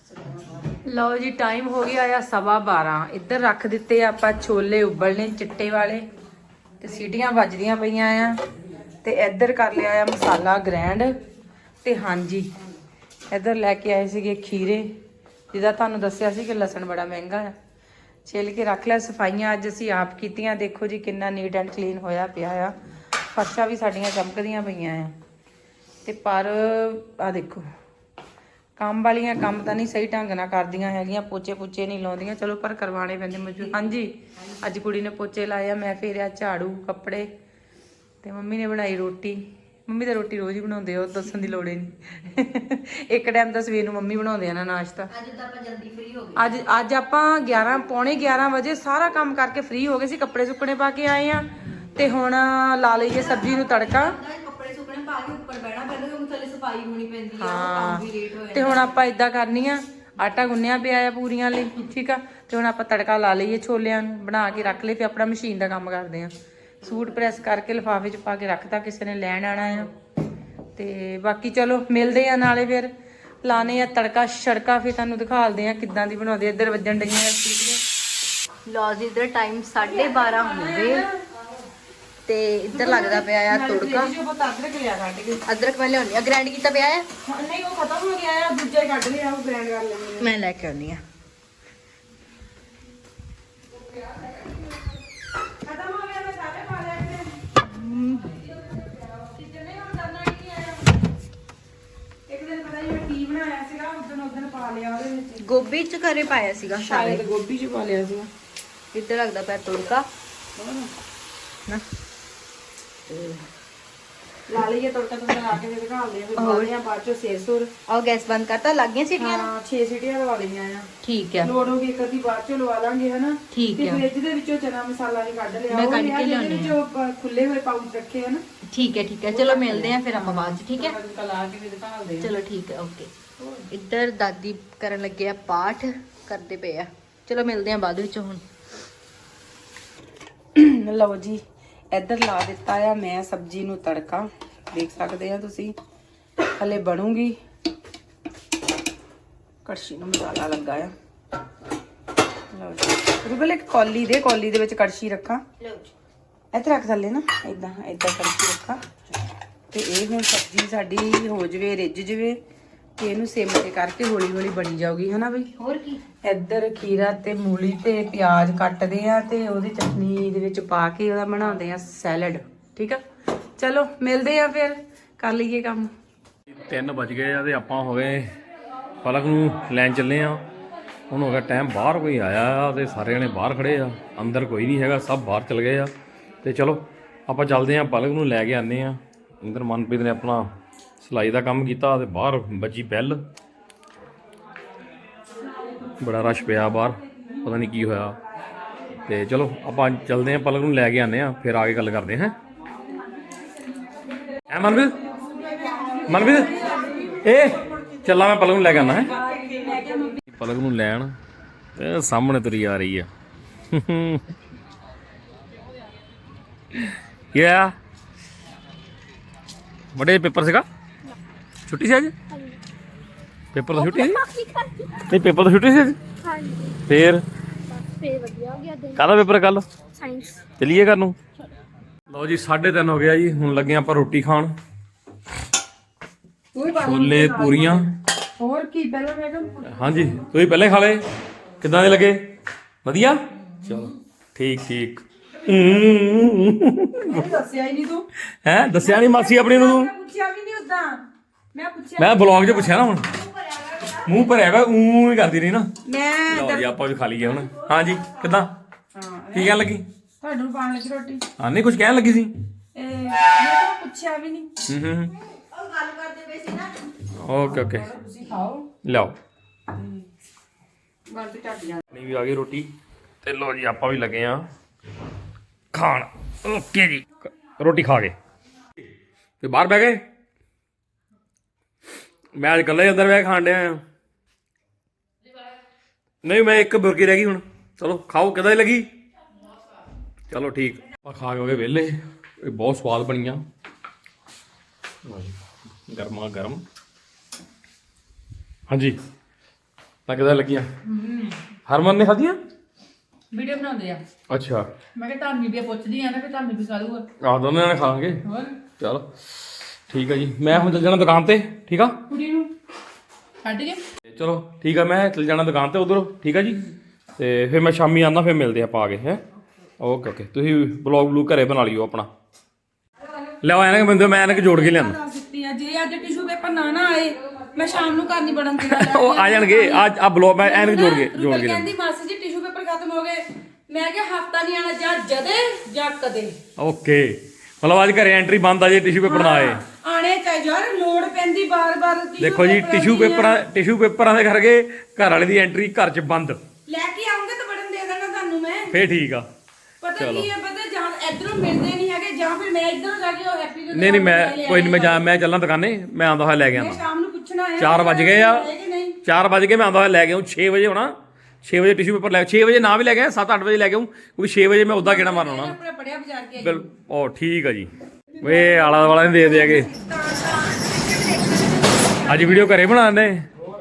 Speaker 2: ਲਓ ਜੀ ਟਾਈਮ ਹੋ ਗਿਆ ਆ ਸਵਾ ਬਾਰਾਂ ਇੱਧਰ ਰੱਖ ਦਿੱਤੇ ਆ ਆਪਾਂ ਛੋਲੇ ਉਬਲਣੇ ਚਿੱਟੇ ਵਾਲੇ ਤੇ ਸੀਟੀਆਂ ਵੱਜਦੀਆਂ ਪਈਆਂ ਆ ਤੇ ਇੱਧਰ ਕਰ ਲਿਆ ਆ ਮਸਾਲਾ ਗ੍ਰੈਂਡ ਤੇ ਹਾਂਜੀ ਇੱਧਰ ਲੈ ਕੇ ਆਏ ਸੀਗੇ ਖੀਰੇ ਜਿਹਦਾ ਤੁਹਾਨੂੰ ਦੱਸਿਆ ਸੀ ਕਿ ਲਸਣ ਬੜਾ ਮਹਿੰਗਾ ਆ ਛਿੱਲ ਕੇ ਰੱਖ ਲਿਆ ਸਫਾਈਆਂ ਅੱਜ ਅਸੀਂ ਆਪ ਕੀਤੀਆਂ ਦੇਖੋ ਜੀ ਕਿੰਨਾ ਨੀਟ ਐਂਡ ਕਲੀਨ ਹੋਇਆ ਪਿਆ ਆ ਫਰਸ਼ਾਂ ਵੀ ਸਾਡੀਆਂ ਚਮਕਦੀਆਂ ਪਈਆਂ ਆ ਤੇ ਪਰ ਆ ਦੇਖੋ ਕੰਮ ਵਾਲੀਆਂ ਕੰਮ ਤਾਂ ਨਹੀਂ ਸਹੀ ਢੰਗ ਨਾਲ ਕਰਦੀਆਂ ਹੈਗੀਆਂ ਪੋਚੇ ਪੁੱਚੇ ਨਹੀਂ ਲਾਉਂਦੀਆਂ ਚਲੋ ਪਰ ਕਰਵਾਉਣੇ ਪੈਂਦੇ ਮਜਬੂਰ ਹਾਂਜੀ ਅੱਜ ਕੁੜੀ ਨੇ ਪੋਚੇ ਲਾਏ ਆ ਮੈਂ ਫੇਰਿਆ ਝਾੜੂ ਕੱਪੜੇ ਤੇ ਮੰਮੀ ਨੇ ਬਣਾਈ ਰੋਟੀ ਮੰਮੀ ਤਾਂ ਰੋਟੀ ਰੋਜ਼ ਹੀ ਬਣਾਉਂਦੇ ਆ ਉਹ ਦੱਸਣ ਦੀ ਲੋੜ ਹੀ ਨਹੀਂ ਇੱਕ ਟਾਈਮ ਤਾਂ ਸਵੇਰ ਨੂੰ ਮੰਮੀ ਬਣਾਉਂਦੇ ਆ ਨਾ ਨਾਸ਼ਤਾ
Speaker 3: ਅੱਜ ਤਾਂ ਆਪਾਂ ਜਲਦੀ ਫ੍ਰੀ ਹੋ ਗਏ
Speaker 2: ਅੱਜ ਅੱਜ ਆਪਾਂ ਗਿਆਰਾਂ ਪੌਣੇ ਗਿਆਰਾਂ ਵਜੇ ਸਾਰਾ ਕੰਮ ਕਰਕੇ ਫ੍ਰੀ ਹੋ ਗਏ ਸੀ ਕੱਪੜੇ ਸੁੱਕਣੇ ਪਾ ਕੇ ਆਏ ਆ ਤੇ ਹੁਣ ਲਾ ਲਈਏ ਸਬਜ਼ੀ ਨੂੰ ਤੜਕਾ
Speaker 3: ਕੱਪੜੇ ਸੁੱਕਣੇ ਪਾ ਕੇ ਉੱਪਰ ਬਹਿਣਾ ਪੈਂਦਾ ਕਿਉਂਕਿ ਥੱਲੇ ਸਫਾਈ ਹੋਣੀ ਪੈਂਦੀ ਆ ਕੰਮ ਵੀ ਲੇਟ ਹੋ
Speaker 2: ਤੇ ਹੁਣ ਆਪਾਂ ਇਦਾਂ ਕਰਨੀ ਆ ਆਟਾ ਗੁੰਨਿਆ ਪਿਆ ਆ ਪੂਰੀਆਂ ਲਈ ਠੀਕ ਆ ਤੇ ਹੁਣ ਆਪਾਂ ਤੜਕਾ ਲਾ ਲਈਏ ਛੋਲਿਆਂ ਨੂੰ ਬਣਾ ਕੇ ਰੱਖ ਲਏ ਤੇ ਆਪਣਾ ਮਸ਼ੀਨ ਦਾ ਕੰਮ ਕਰਦੇ ਆ ਸੂਟ ਪ੍ਰੈਸ ਕਰਕੇ ਲਿਫਾਫੇ 'ਚ ਪਾ ਕੇ ਰੱਖਤਾ ਕਿਸੇ ਨੇ ਲੈਣ ਆਣਾ ਆ ਤੇ ਬਾਕੀ ਚਲੋ ਮਿਲਦੇ ਆ ਨਾਲੇ ਫਿਰ ਲਾਣੇ ਆ ਤੜਕਾ ਛੜਕਾ ਫਿਰ ਤੁਹਾਨੂੰ ਦਿਖਾਲਦੇ ਆ ਕਿੱਦਾਂ ਦੀ ਬਣਾਉਂਦੇ ਇੱਧਰ ਵੱਜਣ ਡਈਆਂ ਸੀਟੀਆਂ
Speaker 3: ਲਓ ਜੀ ਇਧਰ ਟਾਈਮ ਸਾਢੇ ਬਾਰਾਂ ਹੋ ਗਏ ਤੇ ਇੱਧਰ ਲੱਗਦਾ ਪਿਆ ਆ ਤੁੜਕਾ
Speaker 2: ਜੋ ਬਤਾ ਅਦਰਕ ਲਿਆ ਕੱਢ ਕੇ
Speaker 3: ਅਦਰਕ ਮੈਂ ਲਿਆਉਣੀ ਆ ਗ੍ਰਾਈਂਡ ਕੀਤਾ ਪਿਆ ਆ
Speaker 2: ਨਹੀਂ ਉਹ ਖਤਮ ਹੋ ਗਿਆ ਆ ਦੂਜਾ ਹੀ ਕੱਢ ਲਿਆ ਉਹ ਗ੍ਰੈਂਡ ਕਰ ਲੈਣੀ
Speaker 3: ਮੈਂ ਲੈ ਕੇ ਆਉਣੀ ਆ
Speaker 2: ਖਤਮ ਹੋ ਗਿਆ ਮੈਂ ਸਾਰੇ ਪਾ ਲਿਆ ਕਿਤੇ ਹੁਣ ਕਰਨਾ ਹੀ ਨਹੀਂ ਆਇਆ ਇੱਕ ਦਿਨ ਪਤਾ ਨਹੀਂ ਮੈਂ ਕੀ ਬਣਾਇਆ ਸੀਗਾ ਉਦੋਂ ਉਦੋਂ ਪਾ ਲਿਆ ਉਹਦੇ ਵਿੱਚ
Speaker 3: ਗੋਭੀ ਚ ਘਰੇ ਪਾਇਆ ਸੀਗਾ
Speaker 2: ਸ਼ਾਇਦ ਗੋਭੀ ਚ ਪਾ ਲਿਆ ਸੀਗਾ
Speaker 3: ਇੱਧਰ ਲੱਗਦਾ ਪਿਆ ਤੁੜਕਾ ਨਾ
Speaker 2: ਲਾ ਲਈਏ ਤੜਕਾ ਤੁੜਕਾ ਲਾ ਕੇ ਤੇ ਦਿਖਾ ਲਿਆ ਫਿਰ ਬਾਅਦ ਆ ਬਾਅਦ ਚੋਂ ਸੇਰ ਸੁਰ
Speaker 3: ਆਹ ਗੈਸ ਬੰਦ ਕਰਤਾ ਲੱਗ ਗਈਆਂ ਸੀਟੀਆਂ
Speaker 2: ਹਾਂ ਛੇ ਸੀਟੀਆਂ ਲਵਾ ਲਈਆਂ ਆ
Speaker 3: ਠੀਕ ਆ
Speaker 2: ਲੋੜ ਹੋ ਗਈ ਇੱਕ ਅੱਧੀ ਬਾਅਦ ਚੋਂ ਲਵਾ ਲਾਂਗੇ ਹਨਾ
Speaker 3: ਠੀਕ
Speaker 2: ਤੇ
Speaker 3: ਆ
Speaker 2: ਫ੍ਰਿਜ ਦੇ ਵਿੱਚੋਂ ਚਨਾ ਮਸਾਲਾ ਵੀ ਕੱਢ ਲਿਆ
Speaker 3: ਮੈਂ
Speaker 2: ਉਹ
Speaker 3: ਕੱਢ
Speaker 2: ਲਿਆ
Speaker 3: ਕੇ
Speaker 2: ਜਿਹਦੇ
Speaker 3: ਲਿਆਉਂਦੀ
Speaker 2: ਵਿੱਚੋਂ ਪ- ਖੁੱਲੇ ਹੋਏ ਪਾਊਚ ਰੱਖੇ ਹਨ
Speaker 3: ਠੀਕ ਹੈ ਠੀਕ ਹੈ ਚਲੋ ਮਿਲਦੇ ਆ ਫਿਰ ਆਪਾਂ ਬਾਅਦ ਚ ਠੀਕ ਹੈ
Speaker 2: ਤੜਕਾ ਲਾ ਕੇ ਵੀ ਦਿਖਾਉਂਦੇ ਆ
Speaker 3: ਚਲੋ ਠੀਕ ਹੈ ਓਕੇ ਇੱਧਰ ਦਾਦੀ ਕਰਨ ਲੱਗੇ ਆ ਪਾਠ ਕਰਦੇ ਪਏ ਆ ਚਲੋ ਮਿਲਦੇ ਆ ਬਾਅਦ ਵਿੱਚ ਹੁਣ
Speaker 2: ਲਓ ਜੀ ਇੱਧਰ ਲਾ ਦਿੱਤਾ ਆ ਮੈਂ ਸਬਜ਼ੀ ਨੂੰ ਤੜਕਾ ਦੇਖ ਸਕਦੇ ਆ ਤੁਸੀਂ ਹਲੇ ਬਣੂਗੀ ਕੜਛੀ ਨੂੰ ਮਸਾਲਾ ਲੱਗਾ ਆ ਲਓ ਜੀ ਰੁਬਲ ਇੱਕ ਕੌਲੀ ਦੇ ਕੌਲੀ ਦੇ ਵਿੱਚ ਕੜਛੀ ਰੱਖਾਂ ਇੱਥੇ ਰੱਖ ਥੱਲੇ ਨਾ ਇਦਾਂ ਇਦਾਂ ਕੜਛੀ ਰੱਖਾਂ ਤੇ ਇਹ ਹੁਣ ਸਬਜ਼ੀ ਸਾਡੀ ਹੋ ਜਵੇ ਰਿੱਝ ਜਵੇ ਤੇ ਇਹਨੂੰ ਸਿਮ ਤੇ ਕਰਕੇ ਹੌਲੀ ਹੌਲੀ ਬਣੀ ਜਾਊਗੀ ਹਨਾ ਬਈ
Speaker 3: ਹੋਰ ਕੀ
Speaker 2: ਇੱਧਰ ਖੀਰਾ ਤੇ ਮੂਲੀ ਤੇ ਪਿਆਜ਼ ਕੱਟਦੇ ਆ ਤੇ ਉਹਦੀ ਚਟਨੀ ਦੇ ਵਿੱਚ ਪਾ ਕੇ ਉਹਦਾ ਬਣਾਉਂਦੇ ਆ ਸੈਲਡ ਠੀਕ ਆ ਚਲੋ ਮਿਲਦੇ ਆ ਫਿਰ ਕਰ ਲਈਏ ਕੰਮ
Speaker 1: ਤਿੰਨ ਵੱਜ ਗਏ ਆ ਤੇ ਆਪਾਂ ਹੋ ਗਏ ਪਲਕ ਨੂੰ ਲੈਣ ਚੱਲੇ ਆ। ਹੁਣ ਹੋ ਗਿਆ ਟਾਈਮ, ਬਾਹਰ ਕੋਈ ਆਇਆ ਆ ਤੇ ਸਾਰੇ ਜਣੇ ਬਾਹਰ ਖੜੇ ਆ, ਅੰਦਰ ਕੋਈ ਨਹੀਂ ਹੈਗਾ, ਸਭ ਬਾਹਰ ਚਲ ਗਏ ਆ। ਤੇ ਚਲੋ ਆਪਾਂ ਚੱਲਦੇ ਆ, ਪਲਕ ਨੂੰ ਲੈ ਕੇ ਆਨੇ ਆ। ਅੰਦਰ ਮਨਪ੍ਰੀਤ ਨੇ ਆਪਣਾ ਸਿਲਾਈ ਦਾ ਕੰਮ ਕੀਤਾ ਤੇ ਬਾਹਰ ਵੱਜੀ ਬੈਲ, ਬੜਾ ਰਸ਼ ਪਿਆ ਬਾਹਰ, ਪਤਾ ਨਹੀਂ ਕੀ ਹੋਇਆ। ਤੇ ਚਲੋ ਆਪਾਂ ਚੱਲਦੇ ਆ, ਪਲਕ ਨੂੰ ਲੈ ਕੇ ਆਨੇ ਆ, ਫਿਰ ਆ ਕੇ ਗੱਲ ਕਰਦੇ ਹਾਂ। ਐ ਮਨਪ੍ਰੀਤ ਮਨਪ੍ਰੀਤ ਇਹ ਚੱਲਾਂ, ਮੈਂ ਪਲਕ ਨੂੰ ਲੈ ਕੇ ਆਉਣਾ ਹੈ। ਪਲਕ ਨੂੰ ਲੈਣ ਇਹ ਸਾਹਮਣੇ ਤੁਰੀ ਆ ਰਹੀ ਆ। ਕੀ ਆ ਬੜੇ ਪੇਪਰ ਸੀਗਾ, ਛੁੱਟੀ ਸੀ ਅੱਜ? ਪੇਪਰ ਤਾਂ ਛੁੱਟੀ ਸੀ? ਨਹੀਂ ਪੇਪਰ ਤਾਂ ਛੁੱਟੀ ਸੀ ਅੱਜ? ਫੇਰ
Speaker 4: ਫੇਰ ਵਧੀਆ ਹੋ ਗਿਆ ਦਿਨ।
Speaker 1: ਕਾਹਦਾ ਪੇਪਰ ਕੱਲ?
Speaker 4: ਸਾਇੰਸ।
Speaker 1: ਚਲੀਏ ਘਰ ਨੂੰ। ਲਓ ਜੀ ਸਾਢੇ ਤਿੰਨ ਹੋ ਗਿਆ ਜੀ, ਹੁਣ ਲੱਗੇ ਆਪਾਂ ਰੋਟੀ ਖਾਣ। ਛੋਲੇ ਪੂਰੀਆਂ।
Speaker 2: ਹੋਰ ਕੀ ਪਹਿਲਾਂ ਮੈਂ ਕਿਹਾ
Speaker 1: ਹਾਂਜੀ ਤੁਸੀਂ ਪਹਿਲੇ ਖਾ ਲਏ, ਕਿੱਦਾਂ ਦੇ ਲੱਗੇ? ਵਧੀਆ, ਚਲੋ ਠੀਕ ਠੀਕ।
Speaker 2: ਦੱਸਿਆ ਹੀ ਨਹੀਂ ਤੂੰ।
Speaker 1: ਹੈਂ ਦੱਸਿਆ ਨਹੀਂ ਮਾਸੀ ਆਪਣੀ ਨੂੰ ਤੂੰ?
Speaker 2: ਪੁੱਛਿਆ ਵੀ ਨਹੀਂ ਉਦਾਂ, ਮੈਂ ਪੁੱਛਿਆ।
Speaker 1: ਮੈਂ ਬਲੌਗ 'ਚ ਪੁੱਛਿਆ ਨਾ, ਹੁਣ ਮੂੰਹ ਭਰਿਆ ਵਾ ਊਂ ਹੀ ਕਰਦੀ ਰਹੀ ਨਾ।
Speaker 2: ਮੈਂ
Speaker 1: ਲਓ ਜੀ ਆਪਾਂ ਵੀ ਖਾ ਲਈਏ ਹੁਣ। ਹਾਂਜੀ ਕਿੱਦਾਂ, ਕੀ ਕਹਿਣ ਲੱਗੀ?
Speaker 2: ਤੁਹਾਨੂੰ ਪਾਣ ਲੱਗੀ ਰੋਟੀ।
Speaker 1: ਹਾਂ ਨਹੀਂ ਕੁਝ ਕਹਿਣ ਲੱਗੀ ਸੀ।
Speaker 2: ਇਹ ਮੈਂ ਤਾਂ ਪੁੱਛਿਆ ਵੀ ਨਹੀਂ।
Speaker 1: ਹੂੰ ਹੂੰ
Speaker 2: ਉਹ ਗੱਲ ਕਰਦੇ ਪਏ ਸੀ ਨਾ।
Speaker 1: ਓਕੇ ਓਕੇ
Speaker 2: ਤੁਸੀਂ ਖਾਓ।
Speaker 1: ਲਿਆਓ।
Speaker 2: ਗੱਲ ਤੇ ਝੱਟ ਜਾ।
Speaker 1: ਨਹੀਂ ਵੀ ਆ ਗਈ ਰੋਟੀ ਤੇ ਲਓ ਜੀ ਆਪਾਂ ਵੀ ਲੱਗੇ ਆ ਖਾਣ। ਓਕੇ ਜੀ ਰੋਟੀ ਖਾ ਗਏ ਤੇ ਬਾਹਰ ਬਹਿ ਗਏ। ਮੈਂ ਅੱਜ ਇਕੱਲਾ ਹੀ ਅੰਦਰ ਬਹਿ ਕੇ ਖਾਣ ਡਿਆ ਆ। ਨਹੀਂ ਮੈਂ ਇੱਕ ਬੁਰਕੀ ਰਹਿ ਗਈ ਹੁਣ। ਚਲੋ ਖਾਓ, ਕਿੱਦਾਂ ਦੀ ਲੱਗੀ? ਚਲੋ ਠੀਕ। ਆਪਾਂ ਖਾ ਕੇ ਹੋ ਗਏ ਵਿਹਲੇ। ਇਹ ਬਹੁਤ ਸਵਾਦ ਬਣੀਆਂ, ਗਰਮਾ ਗਰਮ। ਹਾਂਜੀ ਤਾਂ ਕਿੱਦਾਂ ਲੱਗੀਆਂ? ਹਰਮਨ ਨੇ ਖਾਧੀਆਂ?
Speaker 2: ਵੀਡੀਓ ਬਣਾਉਂਦੇ ਆ।
Speaker 1: ਅੱਛਾ
Speaker 2: ਮੈਂ ਕਿਹਾ ਧਾਮੀ ਵੀ ਪੁੱਛਦੀ ਆ ਨਾ, ਫਿਰ ਧਾਮੀ ਵੀ ਖਾ ਲੂਗਾ।
Speaker 1: ਆਹ ਦੋਨੇ ਜਣੇ ਖਾਵਾਂਗੇ।
Speaker 2: ਹੋਰ
Speaker 1: ਚਲੋ ਠੀਕ ਆ ਜੀ, ਮੈਂ ਹੁਣ ਚੱਲ ਜਾਣਾ ਦੁਕਾਨ ਤੇ। ਠੀਕ ਆ,
Speaker 2: ਕੁੜੀ ਨੂੰ ਛੱਡ ਕੇ।
Speaker 1: ਤੇ ਚਲੋ ਠੀਕ ਆ, ਮੈਂ ਚੱਲ ਜਾਣਾ ਦੁਕਾਨ ਤੇ ਉਧਰੋਂ। ਠੀਕ ਆ ਜੀ, ਤੇ ਫਿਰ ਮੈਂ ਸ਼ਾਮੀ ਆਉਂਦਾ, ਫਿਰ ਮਿਲਦੇ ਆਪਾਂ ਆ ਕੇ। ਹੈ ਓਕੇ ਓਕੇ। ਤੁਸੀਂ ਬਲੌਗ ਬਲੂਗ ਘਰੇ ਬਣਾ ਲਿਓ ਆਪਣਾ। ਲਿਆਓ ਐਨਕ ਬੰਦੇ, ਮੈਂ ਐਨਕ ਜੋੜ ਕੇ ਲਿਆਂਦਾ।
Speaker 2: ਦਿੱਤੀ ਆ, ਜੇ ਅੱਜ ਟਿਸ਼ੂ ਪੇਪਰ ਨਾ ਨਾ ਆਏ ਮੈਂ ਸ਼ਾਮ ਨੂੰ ਕਰਨੀ ਬੜਨ ਦੀ।
Speaker 1: ਉਹ ਆ ਜਾਣਗੇ ਅੱਜ। ਆ ਬਲੌਗ ਮੈਂ ਐਨਕ ਜੋੜ ਕੇ ਜੋੜ ਕੇ ਲਿਆਂਦਾ।
Speaker 2: ਕਹਿੰਦੀ ਮਾਸੀ ਜੀ ਟਿਸ਼ੂ ਪੇਪਰ ਖਤਮ ਹੋ ਗਏ। ਮੈਂ ਕਿਹਾ ਹਫਤਾ ਨਹੀਂ ਆਣਾ, ਜਾਂ ਜਦੇ ਜਾਂ ਕਦੇ।
Speaker 1: ਓਕੇ ਮਤਲਬ ਅੱਜ ਘਰੇ ਐਂਟਰੀ ਬੰਦ ਆ ਜੇ ਟਿਸ਼ੂ ਪੇਪਰ ਨਾ ਆਏ।
Speaker 2: ਆਣੇ ਚਾਹੀਏ ਯਾਰ, ਲੋੜ ਪੈਂਦੀ ਬਾਰ-ਬਾਰ।
Speaker 1: ਦੇਖੋ ਜੀ ਟਿਸ਼ੂ ਪੇਪਰਾਂ ਟਿਸ਼ੂ ਪੇਪਰਾਂ ਦੇ ਕਰਕੇ ਘਰ ਵਾਲੇ ਦੀ ਐਂਟਰੀ ਘਰ 'ਚ ਬੰਦ।
Speaker 2: ਲੈ ਕੇ ਆਉਂਗੇ ਤਾਂ ਬੜਨ ਦੇ ਦੇਣਾ ਤੁਹਾਨੂੰ ਮੈਂ।
Speaker 1: ਫੇਰ ਠੀਕ ਆ।
Speaker 2: ਪਤਾ ਕੀ ਹੈ, ਪਤਾ ਜਾਂ ਇਧਰੋਂ ਮਿਲਦੇ ਨਹੀਂ ਹੈਗੇ, ਜਾਂ ਫਿਰ ਮੈਂ ਇਧਰੋਂ ਜਾ ਕੇ ਉਹ ਹੈਪੀ ਦੇ।
Speaker 1: ਨਹੀਂ ਨਹੀਂ ਮੈਂ ਕੋਈ ਨਹੀਂ, ਮੈਂ ਜਾ ਮੈਂ ਚੱਲਾਂ ਦੁਕਾਨੇ, ਮੈਂ ਆਉਂਦਾ ਹੋਇਆ ਲੈ ਕੇ ਆਉਂਦਾ।
Speaker 2: ਸ਼ਾਮ ਨੂੰ ਪੁੱਛਣਾ ਹੈ।
Speaker 1: ਚਾਰ ਵੱਜ ਗਏ ਆ, ਚਾਰ ਵੱਜ ਕੇ ਮੈਂ ਆਉਂਦਾ ਹੋਇਆ ਲੈ ਕੇ ਆਉਂ। ਛੇ ਵਜੇ ਹੋਣਾ, ਛੇ ਵਜੇ ਟਿਸ਼ੂ ਪੇਪਰ ਲੈ, ਛੇ ਵਜੇ ਨਾ ਵੀ ਲੈ ਕੇ ਆਇਆ, ਸੱਤ ਅੱਠ ਵਜੇ ਲੈ ਕੇ ਆਉਂ, ਕਿਉਂਕਿ ਛੇ ਵਜੇ ਮੈਂ ਉੱਦਾਂ ਕਿਹੜਾ ਮਾਰਨਾ ਹੋਣਾ।
Speaker 2: ਆਪਣਾ ਪੜਿਆ ਬਾਜ਼ਾਰ ਕੇ।
Speaker 1: ਬਿਲ ਉਹ ਠੀਕ ਆ ਜੀ। ਵੇ ਆਲਾ ਵਾਲਾ ਨੇ ਦੇ ਦਿਆਗੇ ਅੱਜ ਵੀਡੀਓ ਘਰੇ ਬਣਾਉਂਦੇ।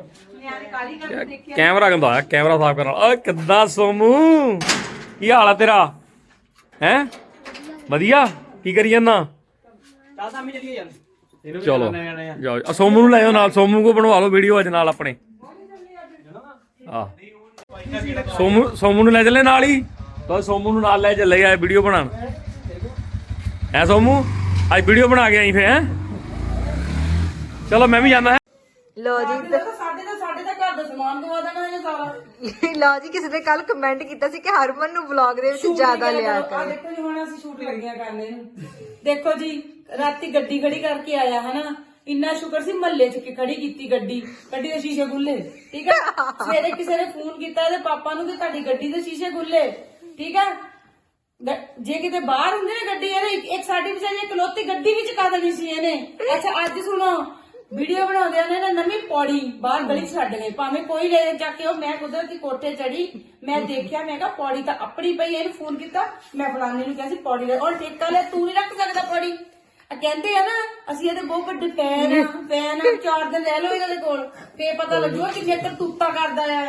Speaker 1: ਕੈਮਰਾ ਗੰਦਾ ਆਇਆ, ਕੈਮਰਾ ਸਾਫ਼ ਕਰਨ ਵਾਲਾ। ਓਏ ਕਿੱਦਾਂ ਸੋਮੂ, ਕੀ ਹਾਲ ਆ ਤੇਰਾ? ਹੈਂ ਵਧੀਆ, ਕੀ ਕਰੀ ਜਾਂਦਾ? ਚਲੋ ਜਾਓ, ਆ ਸੋਮੂ ਨੂੰ ਲੈ ਆਓ ਨਾਲ, ਸੋਮੂ ਕੋ ਬਣਵਾ ਲਓ ਵੀਡੀਓ ਅੱਜ ਨਾਲ ਆਪਣੇ। ਆ ਸੋਮੂ ਸੋਮੂ ਨੂੰ ਲੈ ਚੱਲੇ ਨਾਲ ਹੀ, ਤਾਂ ਸੋਮੂ ਨੂੰ ਨਾਲ ਲੈ ਚੱਲੇ ਆ ਵੀਡੀਓ ਬਣਾਉਣ। ਐ ਸੋਮੂ ਅੱਜ ਵੀਡੀਓ ਬਣਾ ਕੇ ਆਈ ਫੇ। ਹੈ ਚਲੋ ਮੈਂ ਵੀ ਜਾਂਦਾ। ਹੈ
Speaker 3: ਲੋ ਜੀ
Speaker 2: ਸਾਡੇ ਤਾਂ ਸਾਡੇ ਤਾਂ ਘਰ ਦਾ ਸਮਾਨ ਦਵਾ ਦੇਣਾ ਇਹਨੇ ਸਾਰਾ।
Speaker 3: ਲਓ ਜੀ ਕਿਸੇ ਨੇ ਕੱਲ ਕਮੈਂਟ ਕੀਤਾ ਸੀ ਕਿ ਹਰਮਨ ਨੂੰ ਵਲੌਗ ਦੇ ਵਿੱਚ ਜ਼ਿਆਦਾ ਲਿਆ
Speaker 2: ਆ
Speaker 3: ਕਰ।
Speaker 2: ਦੇਖੋ ਜੀ, ਹੁਣ ਅਸੀਂ ਸ਼ੂਟ ਲੱਗੀਆਂ ਕਰਨ ਇਹਨੂੰ। ਦੇਖੋ ਜੀ ਰਾਤੀ ਗੱਡੀ ਖੜੀ ਕਰਕੇ ਆਇਆ ਹਨਾ, ਇੰਨਾ ਸ਼ੁਕਰ ਸੀ ਮਹੱਲੇ ਚ ਕਿ ਖੜੀ ਕੀਤੀ ਗੱਡੀ, ਗੱਡੀ ਦੇ ਸ਼ੀਸ਼ੇ ਖੁੱਲੇ। ਠੀਕ ਹੈ, ਸਵੇਰੇ ਕਿਸੇ ਨੇ ਫੋਨ ਕੀਤਾ ਇਹਦੇ ਪਾਪਾ ਨੂੰ ਕਿ ਤੁਹਾਡੀ ਗੱਡੀ ਦੇ ਸ਼ੀਸ਼ੇ ਖੁੱਲੇ। ਠੀਕ ਹੈ, ਜੇ ਕਿਤੇ ਬਾਹਰ ਹੁੰਦੇ ਨਾ ਗੱਡੀ, ਇਹਨੇ ਇੱਕ ਸਾਡੀ ਵਿਚਾਰੀ ਇਕਲੌਤੀ ਗੱਡੀ ਵਿੱਚ ਕਰ ਦੇਣੀ ਸੀ ਇਹਨੇ। ਅੱਛਾ ਅੱਜ ਸੁਣੋ, ਵੀਡੀਓ ਬਣਾਉਂਦੇ ਨੇ ਨਾ ਨਵੀਂ ਪੌੜੀ ਬਾਹਰ ਗਲੀ ਛੱਡ ਗਏ, ਭਾਵੇਂ ਕੋਈ ਲੈ ਜਾ ਕੇ। ਉਹ ਮੈਂ ਕੁਦਰਤੀ ਕੋਠੇ ਚੜੀ, ਮੈਂ ਦੇਖਿਆ, ਮੈਂ ਕਿਹਾ ਪੌੜੀ ਤਾਂ ਆਪਣੀ ਪਈ। ਇਹਨੂੰ ਫੋਨ ਕੀਤਾ, ਮੈਂ ਫਲਾਣੇ ਨੂੰ ਕਿਹਾ ਸੀ ਪੌੜੀ ਲੈ, ਔਰ ਠੇਕਾ ਲੈ, ਤੂੰ ਨਹੀਂ ਰੱਖ ਸਕਦਾ ਪੌੜੀ। ਕਹਿੰਦੇ ਆ ਨਾ ਅਸੀਂ ਇਹਦੇ ਬਹੁਤ ਵੱਡੇ ਫੈਨ ਆ, ਫੈਨ ਆ, ਚਾਰ ਦਿਨ ਰਹਿ ਲਓ ਇਹਨਾਂ ਦੇ ਕੋਲ, ਫੇਰ ਪਤਾ ਲੱਗੂਗਾ ਕਿੰਨੇ ਕਰਤੂਤਾਂ ਕਰਦਾ ਆ